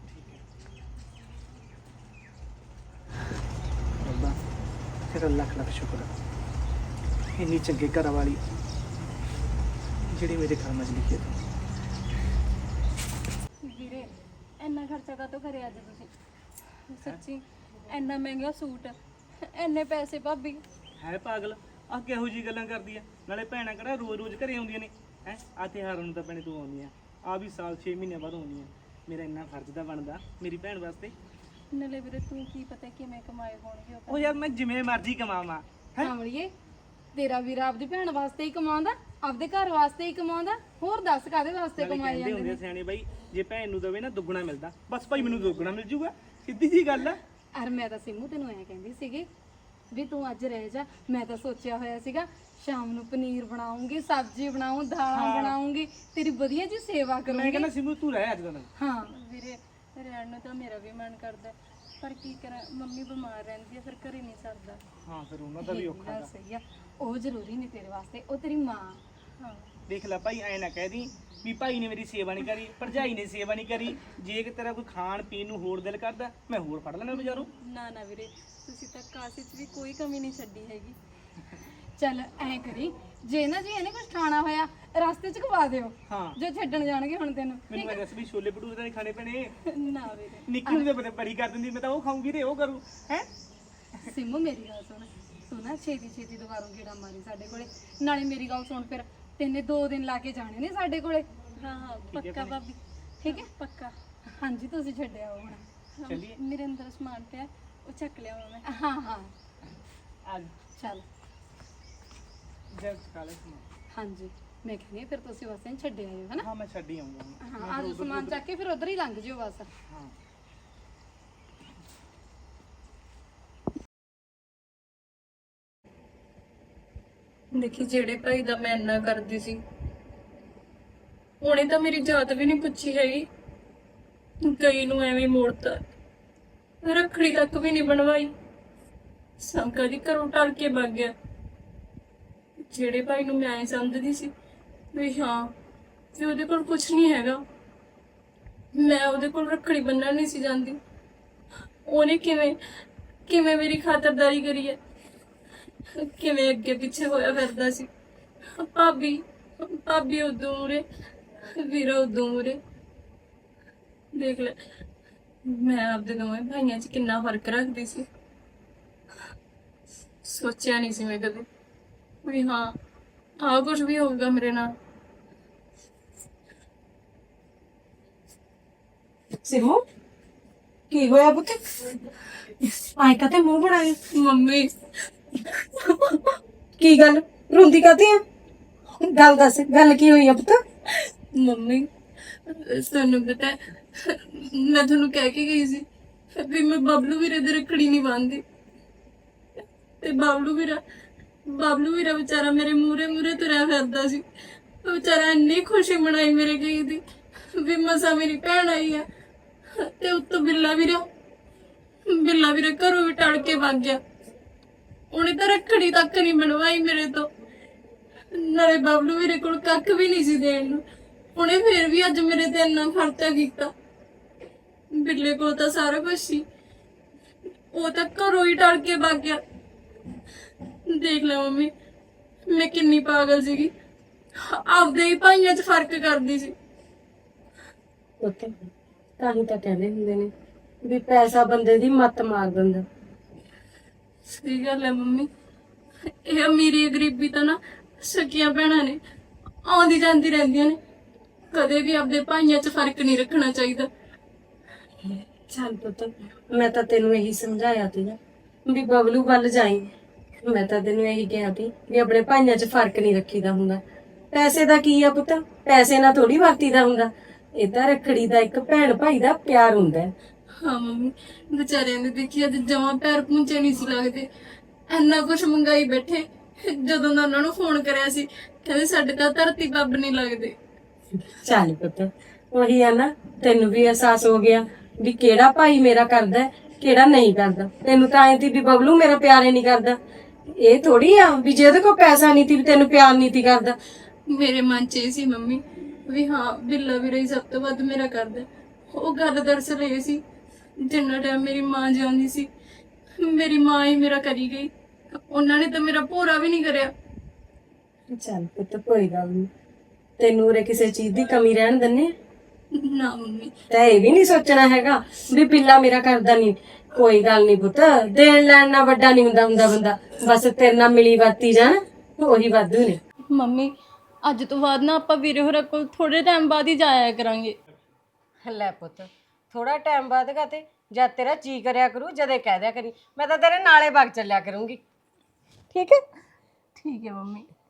S6: ਰੱਬਾ ਤੇਰਾ ਲੱਖ ਲੱਖ ਸ਼ੁਕਰ ਆ, ਇੰਨੀ ਚੰਗੇ ਘਰ ਵਾਲੀ ਜਿਹੜੀ ਮੇਰੇ ਘਰ ਮਜ ਲਿਖੀ ਤੂੰ।
S2: ਵੀਰੇ ਇੰਨਾ ਖਰਚਾ ਕਾਹਤੋਂ ਕਰਿਆ ਅੱਜ ਤੁਸੀਂ? ਸੱਚੀ ਇੰਨਾ ਮਹਿੰਗਾ ਸੂਟ, ਇੰਨੇ ਪੈਸੇ ਭਾਬੀ।
S6: ਹੈ ਪਾਗਲ, ਆ ਕਿਹੋ ਜੀ ਗੱਲਾਂ ਕਰਦੀ ਆ? ਨਾਲੇ ਭੈਣਾਂ ਕਿਹੜਾ ਰੋਜ਼-ਰੋਜ਼ ਘਰੇ ਆਉਂਦੀਆਂ ਨੇ? ਹੈ ਆ ਤਿਉਹਾਰਾਂ ਨੂੰ ਤਾਂ ਭੈਣੇ ਤੂੰ ਆਉਂਦੀ ਆ, ਆ ਵੀ ਸਾਲ 6 ਮਹੀਨਿਆਂ ਬਾਅਦ ਆਉਂਦੀ ਆ। ਮੇਰਾ ਇੰਨਾ ਫਰਜ਼ ਤਾਂ ਬਣਦਾ ਮੇਰੀ ਭੈਣ ਵਾਸਤੇ।
S2: ਨਾਲੇ ਵੀਰੇ ਤੂੰ ਕੀ ਪਤਾ ਕਿਵੇਂ ਕਮਾਏ ਹੋਣਗੇ ਉਹ
S6: ਉਹ ਯਾਰ ਮੈਂ ਜਿਵੇਂ ਮਰਜ਼ੀ ਕਮਾਵਾਂ।
S7: ਕਾਮੜੀਏ, ਤੇਰਾ ਵੀਰ ਆਪਦੀ ਭੈਣ ਵਾਸਤੇ ਹੀ ਕਮਾਉਂਦਾ, ਆਪਦੇ ਘਰ ਵਾਸਤੇ ਹੀ ਕਮਾਉਂਦਾ। ਹੋਰ ਦੱਸ ਕਾਦੇ ਵਾਸਤੇ
S6: ਨਾਲੇ
S7: ਕਮਾਏ
S6: ਕਹਿੰਦੇ
S7: ਜਾਂਦੇ
S6: ਹੁੰਦੇ
S7: ਨੇ?
S6: ਆ ਸਿਆਣੇ ਬਾਈ, ਜੇ ਭੈਣ ਨੂੰ ਦਵੇ ਨਾ ਦੁੱਗਣਾ ਮਿਲਦਾ। ਬਸ ਭਾਈ ਮੈਨੂੰ ਦੁੱਗਣਾ ਮਿਲ ਜੂਗਾ, ਸਿੱਧੀ ਜੀ ਗੱਲ ਆ।
S7: ਅਰ ਮੈਂ ਤਾਂ ਸਿੰਮੂ ਤੈਨੂੰ ਐ ਕਹਿੰਦੀ ਸੀਗੀ ਵੀ ਤੂੰ ਅੱਜ ਰਹਿ ਜਾ। ਮੈਂ ਤਾਂ ਸੋਚਿਆ ਹੋਇਆ ਸੀਗਾ ਸ਼ਾਮ ਨੂੰ ਪਨੀਰ ਬਣਾਉਂਗੀ, ਸਬਜ਼ੀ ਬਣਾਉਂ, ਦਾਲਾਂ ਬਣਾਉਂਗੀ, ਤੇਰੀ ਵਧੀਆ ਜੀ ਸੇਵਾ
S6: ਮੈਂ
S7: ਕਰੂੰਗੀ।
S6: ਕਹਿੰਦਾ ਸਿਮੂ ਤੂੰ ਰਹਿ ਅੱਜ ਦਾ ਦਿਨ।
S7: ਹਾਂ
S2: ਵੀਰੇ ਰਹਿਣ ਨੂੰ ਤਾਂ ਮੇਰਾ ਵੀ ਮਨ ਕਰਦਾ, ਪਰ ਕੀ ਕਰਾਂ, ਮੰਮੀ ਬਿਮਾਰ ਰਹਿੰਦੀ ਹੈ, ਫਿਰ ਘਰੇ ਨਹੀਂ ਸਰਦਾ।
S6: ਹਾਂ ਫਿਰ ਉਹਨਾਂ ਦਾ ਵੀ ਔਖਾ
S7: ਗੱਲ ਸਹੀ ਆ, ਉਹ ਜ਼ਰੂਰੀ ਨਹੀਂ ਤੇਰੇ ਵਾਸਤੇ, ਉਹ ਤੇਰੀ ਮਾਂ।
S2: ਹਾਂ
S6: ਦੇਖ ਲੈ ਭਾਈ, ਐ ਨਾ ਕਹਿ ਦੀ ਵੀ ਭਾਈ ਨੇ ਮੇਰੀ ਸੇਵਾ ਨਹੀਂ ਕਰੀ, ਭਰਜਾਈ ਨੇ ਸੇਵਾ ਨਹੀਂ ਕਰੀ। ਜੇ ਕਿ ਤੇਰਾ ਕੋਈ ਖਾਣ ਪੀਣ ਨੂੰ ਹੋਰ ਦਿਲ ਕਰਦਾ, ਮੈਂ ਹੋਰ ਫੜ ਲੈਣਾ ਬਾਜ਼ਾਰੋਂ।
S2: ਨਾ ਨਾ ਵੀਰੇ, ਤੁਸੀਂ ਤਾਂ ਕਾਸੀ 'ਚ ਵੀ ਕੋਈ ਕਮੀ ਨਹੀਂ ਛੱਡੀ ਹੈਗੀ।
S7: ਚੱਲ ਐ ਕਰੀ, ਜੇ ਨਾ ਜੀ ਇਹਨੇ ਕੁਝ ਖਾਣਾ ਹੋਇਆ ਰਸਤੇ 'ਚ ਖਵਾ ਦਿਓ,
S6: ਹਾਂ
S7: ਜੋ ਛੱਡਣ ਜਾਣਗੇ ਹੁਣ ਤੈਨੂੰ।
S6: ਮੈਨੂੰ ਐ ਦੱਸ ਵੀ ਛੋਲੇ ਭਟੂਰੇ ਤਾਂ ਨਹੀਂ ਖਾਣੇ ਪੈਣੇ?
S2: ਨਾ ਵੀਰੇ,
S6: ਨਿੱਕੀ ਨੂੰ ਤਾਂ ਬੜੀ ਕਰ ਦਿੰਦੀ, ਮੈਂ ਤਾਂ ਉਹ ਖਾਊਂਗੀ ਤੇ ਉਹ ਕਰੂ ਹੈ।
S7: ਸਿੰਮੂ ਮੇਰੀ ਗੱਲ ਸੁਣ, ਤੂੰ ਨਾ ਛੇਤੀ ਛੇਤੀ ਦੁਬਾਰਾ ਗੇੜਾ ਮਾਰੀ ਸਾਡੇ ਕੋਲੇ। ਨਾਲੇ ਮੇਰੀ ਗੱਲ ਸੁਣ, ਫਿਰ ਤੈਨੇ 2 ਦਿਨ ਲਾ ਕੇ ਜਾਣੇ ਨੇ ਸਾਡੇ ਕੋਲੇ।
S2: ਹਾਂ ਹਾਂ ਪੱਕਾ ਭਾਬੀ,
S7: ਠੀਕ ਹੈ?
S2: ਪੱਕਾ।
S7: ਹਾਂਜੀ ਤੁਸੀਂ ਛੱਡਿਆ ਹੁਣ।
S6: ਚੱਲੀਏ।
S2: ਮੇਰੇ ਅੰਦਰ ਸਮਾਨ ਪਿਆ, ਉਹ ਚੱਕ ਲਿਆ ਮੈਂ।
S7: ਹਾਂ ਹਾਂ
S6: ਅੱਜ
S7: ਚੱਲ।
S6: ਜਦ ਕਾਲੇ ਸਮਾਂ।
S7: ਹਾਂਜੀ ਮੈਂ ਕਹਿੰਦੀ ਹਾਂ, ਫਿਰ ਤੁਸੀਂ ਬਸ ਇਹਨੂੰ ਛੱਡ ਆਇਓ ਹਨਾ।
S6: ਹਾਂ ਮੈਂ ਛੱਡ ਹੀ ਆਉਂਗਾ ਹੁਣ।
S7: ਹਾਂ ਅੱਜ ਸਮਾਨ ਚੱਕ ਕੇ ਫਿਰ ਉਧਰ ਹੀ ਲੰਘ ਜਿਓ ਬਸ।
S6: ਹਾਂ
S2: ਦੇਖੀ, ਜਿਹੜੇ ਭਾਈ ਦਾ ਮੈਂ ਇੰਨਾ ਕਰਦੀ ਸੀ, ਉਹਨੇ ਤਾਂ ਮੇਰੀ ਜਾਤ ਵੀ ਨਹੀਂ ਪੁੱਛੀ ਹੈਗੀ, ਕਈ ਨੂੰ ਐਵੇਂ ਮੋੜਤਾ, ਰੱਖੜੀ ਤੱਕ ਵੀ ਨਹੀਂ ਬਣਵਾਈ, ਸੰਕਾ ਦੀ ਘਰੋਂ ਟਲ ਕੇ ਭੱਗ ਗਿਆ। ਜਿਹੜੇ ਭਾਈ ਨੂੰ ਮੈਂ ਐਂ ਸਮਝਦੀ ਸੀ ਵੀ ਹਾਂ ਵੀ ਉਹਦੇ ਕੋਲ ਕੁਝ ਨਹੀਂ ਹੈਗਾ, ਮੈਂ ਉਹਦੇ ਕੋਲ ਰੱਖੜੀ ਬੰਨਣ ਨਹੀਂ ਸੀ ਜਾਂਦੀ, ਉਹਨੇ ਕਿਵੇਂ ਕਿਵੇਂ ਮੇਰੀ ਖਾਤਰਦਾਰੀ ਕਰੀ ਹੈ, ਕਿਵੇਂ ਅੱਗੇ ਪਿੱਛੇ ਹੋਇਆ ਫਿਰਦਾ ਸੀ। ਭਾਬੀ ਭਾਬੀ ਉਦੋਂ ਮੂਰੇ, ਵੀਰਾ ਉਦੋਂ ਮੂਰੇ। ਦੇਖ ਲੈ, ਮੈਂ ਆਪਦੇ ਦੋਵੇਂ ਭਾਈਆਂ 'ਚ ਕਿੰਨਾ ਫਰਕ ਰੱਖਦੀ ਸੀ। ਸੋਚਿਆ ਨਹੀਂ ਸੀ ਮੈਂ ਕਦੇ ਵੀ ਹਾਂ ਆਹ ਕੁਝ ਵੀ ਹੋਊਗਾ ਮੇਰੇ ਨਾਲ।
S1: ਸਿਮੂ ਕੀ ਹੋਇਆ ਪੁੱਤ? ਆਏ ਕਾ ਤੇ ਮੂੰਹ ਬਣਾਏ।
S2: ਮੰਮੀ
S1: ਕੀ ਗੱਲ ਰੋਂਦੀ ਕਾਤੇ ਆ? ਗੱਲ ਦੱਸ, ਗੱਲ ਕੀ ਹੋਈ ਆ ਪੁੱਤ?
S2: ਮੰਮੀ ਤੁਹਾਨੂੰ ਪਤਾ ਹੈ, ਮੈਂ ਤੁਹਾਨੂੰ ਕਹਿ ਕੇ ਗਈ ਸੀ ਵੀ ਮੈਂ ਬਬਲੂ ਵੀਰੇ ਦੇ ਰੱਖੜੀ ਨਹੀਂ ਬੰਨ੍ਹਦੀ, ਤੇ ਬਬਲੂ ਵੀਰਾ ਵਿਚਾਰਾ ਮੇਰੇ ਮੂਰੇ ਮੂਰੇ ਤੁਰਿਆ ਫਿਰਦਾ ਸੀ। ਉਹ ਵਿਚਾਰਾ ਇੰਨੀ ਖੁਸ਼ੀ ਮਨਾਈ ਮੇਰੇ ਗਈ ਦੀ ਵੀ ਮਸਾ ਮੇਰੀ ਭੈਣ ਆਈ ਆ, ਤੇ ਉੱਤੋਂ ਬਿੱਲਾ ਵੀਰਾ ਘਰੋਂ ਵੀ ਟਲ ਕੇ ਭੱਜ ਗਿਆ। ਉਹਨੇ ਤਾਂ ਰੱਖੜੀ ਤੱਕ ਨਹੀਂ ਬਣਵਾਈ ਮੇਰੇ ਤੋਂ, ਨਾਲੇ ਬਬਲੂ ਵੀਰੇ ਕੋਲ ਕੱਖ ਵੀ ਨਹੀਂ ਸੀ ਦੇਣ ਨੂੰ, ਉਹਨੇ ਫੇਰ ਵੀ ਅੱਜ ਮੇਰੇ ਤੇ ਇੰਨਾ ਖਰਚਾ ਕੀਤਾ। ਬਿੱਲੇ ਕੋਲ ਤਾਂ ਸਾਰਾ ਕੁਝ ਸੀ, ਉਹ ਤਾਂ ਘਰੋਂ ਹੀ ਟਲ ਕੇ ਭੱਗ ਗਿਆ। ਦੇਖ ਲੈ ਮੰਮੀ, ਮੈਂ ਕਿੰਨੀ ਪਾਗਲ ਸੀਗੀ, ਆਪਦੇ ਹੀ ਭਾਈਆਂ 'ਚ ਫਰਕ ਕਰਦੀ ਸੀ।
S1: ਪੁੱਤ ਤਾਂ ਹੀ ਤਾਂ ਕਹਿੰਦੇ ਹੁੰਦੇ ਨੇ ਵੀ ਪੈਸਾ ਬੰਦੇ ਦੀ ਮੱਤ ਮਾਰ ਦਿੰਦਾ।
S2: ਸਹੀ ਗੱਲ ਹੈ ਮੰਮੀ, ਇਹ ਅਮੀਰੀ ਗਰੀਬੀ ਤਾਂ ਨਾ ਸਕੀਆਂ ਭੈਣਾਂ ਨੇ, ਆਉਂਦੀ ਜਾਂਦੀ ਰਹਿੰਦੀਆਂ ਨੇ, ਕਦੇ ਵੀ ਆਪਦੇ ਭਾਈਆਂ 'ਚ ਫਰਕ ਨਹੀਂ ਰੱਖਣਾ ਚਾਹੀਦਾ।
S1: ਚੱਲ ਪੁੱਤ, ਮੈਂ ਤਾਂ ਤੈਨੂੰ ਇਹੀ ਸਮਝਾਇਆ ਸੀਗਾ ਵੀ ਬਬਲੂ ਵੱਲ ਜਾਈ। ਮੈਂ ਤਾਂ ਤੈਨੂੰ ਇਹੀ ਕਿਹਾ ਸੀ ਵੀ ਆਪਣੇ ਭਾਈਆਂ 'ਚ ਫਰਕ ਨਹੀਂ ਰੱਖੀਦਾ ਹੁੰਦਾ। ਪੈਸੇ ਦਾ ਕੀ ਆ ਪੁੱਤ, ਪੈਸੇ ਨਾਲ ਥੋੜੀ ਵਰਤੀਦਾ ਹੁੰਦਾ। ਇਹ ਤਾਂ ਰੱਖੜੀ ਦਾ ਇੱਕ ਭੈਣ ਭਾਈ ਦਾ ਪਿਆਰ ਹੁੰਦਾ ਹੈ।
S2: ਹਾਂ ਮੰਮੀ, ਵਿਚਾਰਿਆਂ ਨੇ ਦੇਖੀ ਅੱਜ ਜਮਾਂ ਪੈਰ ਪੂੰਝੇ ਨਹੀਂ ਸੀ ਲੱਗਦੇ, ਇੰਨਾ ਕੁਛ ਮੰਗਾਈ ਬੈਠੇ। ਜਦੋਂ ਦਾ ਉਹਨਾਂ ਨੂੰ ਫੋਨ ਕਰਿਆ ਸੀ, ਕਹਿੰਦੇ ਸਾਡੇ ਤਾਂ ਧਰਤੀ ਬੱਬ ਨਹੀਂ ਲੱਗਦੇ।
S1: ਚੱਲ ਪੁੱਤ, ਉਹੀ ਆ ਨਾ, ਤੈਨੂੰ ਵੀ ਅਹਿਸਾਸ ਹੋ ਗਿਆ ਵੀ ਕਿਹੜਾ ਭਾਈ ਮੇਰਾ ਕਰਦਾ ਕਿਹੜਾ ਨਹੀਂ ਕਰਦਾ। ਤੈਨੂੰ ਤਾਂ ਐਂ ਸੀ ਵੀ ਬਬਲੂ ਮੇਰਾ ਪਿਆਰੇ ਨਹੀਂ ਕਰਦਾ। ਇਹ ਥੋੜੀ ਆ ਵੀ ਜਿਹਦੇ ਕੋਲ ਪੈਸਾ ਨਹੀਂ ਸੀ ਵੀ ਤੈਨੂੰ ਪਿਆਰ ਨਹੀਂ ਸੀ ਕਰਦਾ।
S2: ਮੇਰੇ ਮਨ 'ਚ ਇਹ ਸੀ ਮੰਮੀ ਵੀ ਹਾਂ ਬਿੱਲਾ ਵੀਰਾ ਹੀ ਸਭ ਤੋਂ ਵੱਧ ਮੇਰਾ ਕਰਦਾ। ਉਹ ਗੱਲ ਦਰਅਸਲ ਇਹ ਸੀ, ਜਿੰਨਾ ਟਾਈਮ ਮੇਰੀ ਮਾਂ ਜਿਉਂਦੀ ਸੀ, ਮੇਰੀ ਮਾਂ ਹੀ ਮੇਰਾ ਕਰੀ ਗਈ, ਉਹਨਾਂ ਨੇ ਤਾਂ ਮੇਰਾ ਭੋਰਾ ਵੀ ਨਹੀਂ ਕਰਿਆ।
S1: ਚੱਲ ਪੁੱਤ ਕੋਈ ਗੱਲ ਨਹੀਂ, ਤੈਨੂੰ ਉਰੇ ਕਿਸੇ ਚੀਜ਼ ਦੀ ਕਮੀ ਰਹਿਣ ਦਿੰਨੇ
S2: ਨਾ ਮੰਮੀ,
S1: ਤਾਂ ਇਹ ਵੀ ਨਹੀਂ ਸੋਚਣਾ ਹੈਗਾ ਵੀ ਬਿੱਲਾ ਮੇਰਾ ਕਰਦਾ ਨਹੀਂ। ਕੋਈ ਗੱਲ ਨਹੀਂ ਪੁੱਤ, ਦੇਣ ਲੈਣ ਨਾਲ ਵੱਡਾ ਨਹੀਂ ਹੁੰਦਾ ਬੰਦਾ, ਬਸ ਤੇਰੇ ਨਾਲ ਮਿਲੀ ਵਰਤੀ ਜਾਣ ਉਹੀ ਵਾਧੂ ਨੇ।
S2: ਮੰਮੀ ਅੱਜ ਤੋਂ ਬਾਅਦ ਨਾ ਆਪਾਂ ਵੀਰੇ ਹੋਰਾਂ ਕੋਲ ਥੋੜੇ ਟਾਈਮ ਬਾਅਦ ਹੀ ਜਾਇਆ ਕਰਾਂਗੇ।
S1: ਲੈ ਪੁੱਤ, ਥੋੜਾ ਟਾਈਮ ਬਾਅਦ ਤੇ ਜਦ ਤੇਰਾ ਜੀ ਕਰਿਆ ਕਰੂ ਜਦੇ ਕਹਿ ਦਿਆ ਕਰੀ, ਮੈਂ ਤਾਂ ਤੇਰੇ ਨਾਲੇ ਵਗ ਚੱਲਿਆ ਕਰੂੰਗੀ। ਠੀਕ ਹੈ?
S2: ਠੀਕ ਹੈ ਮੰਮੀ।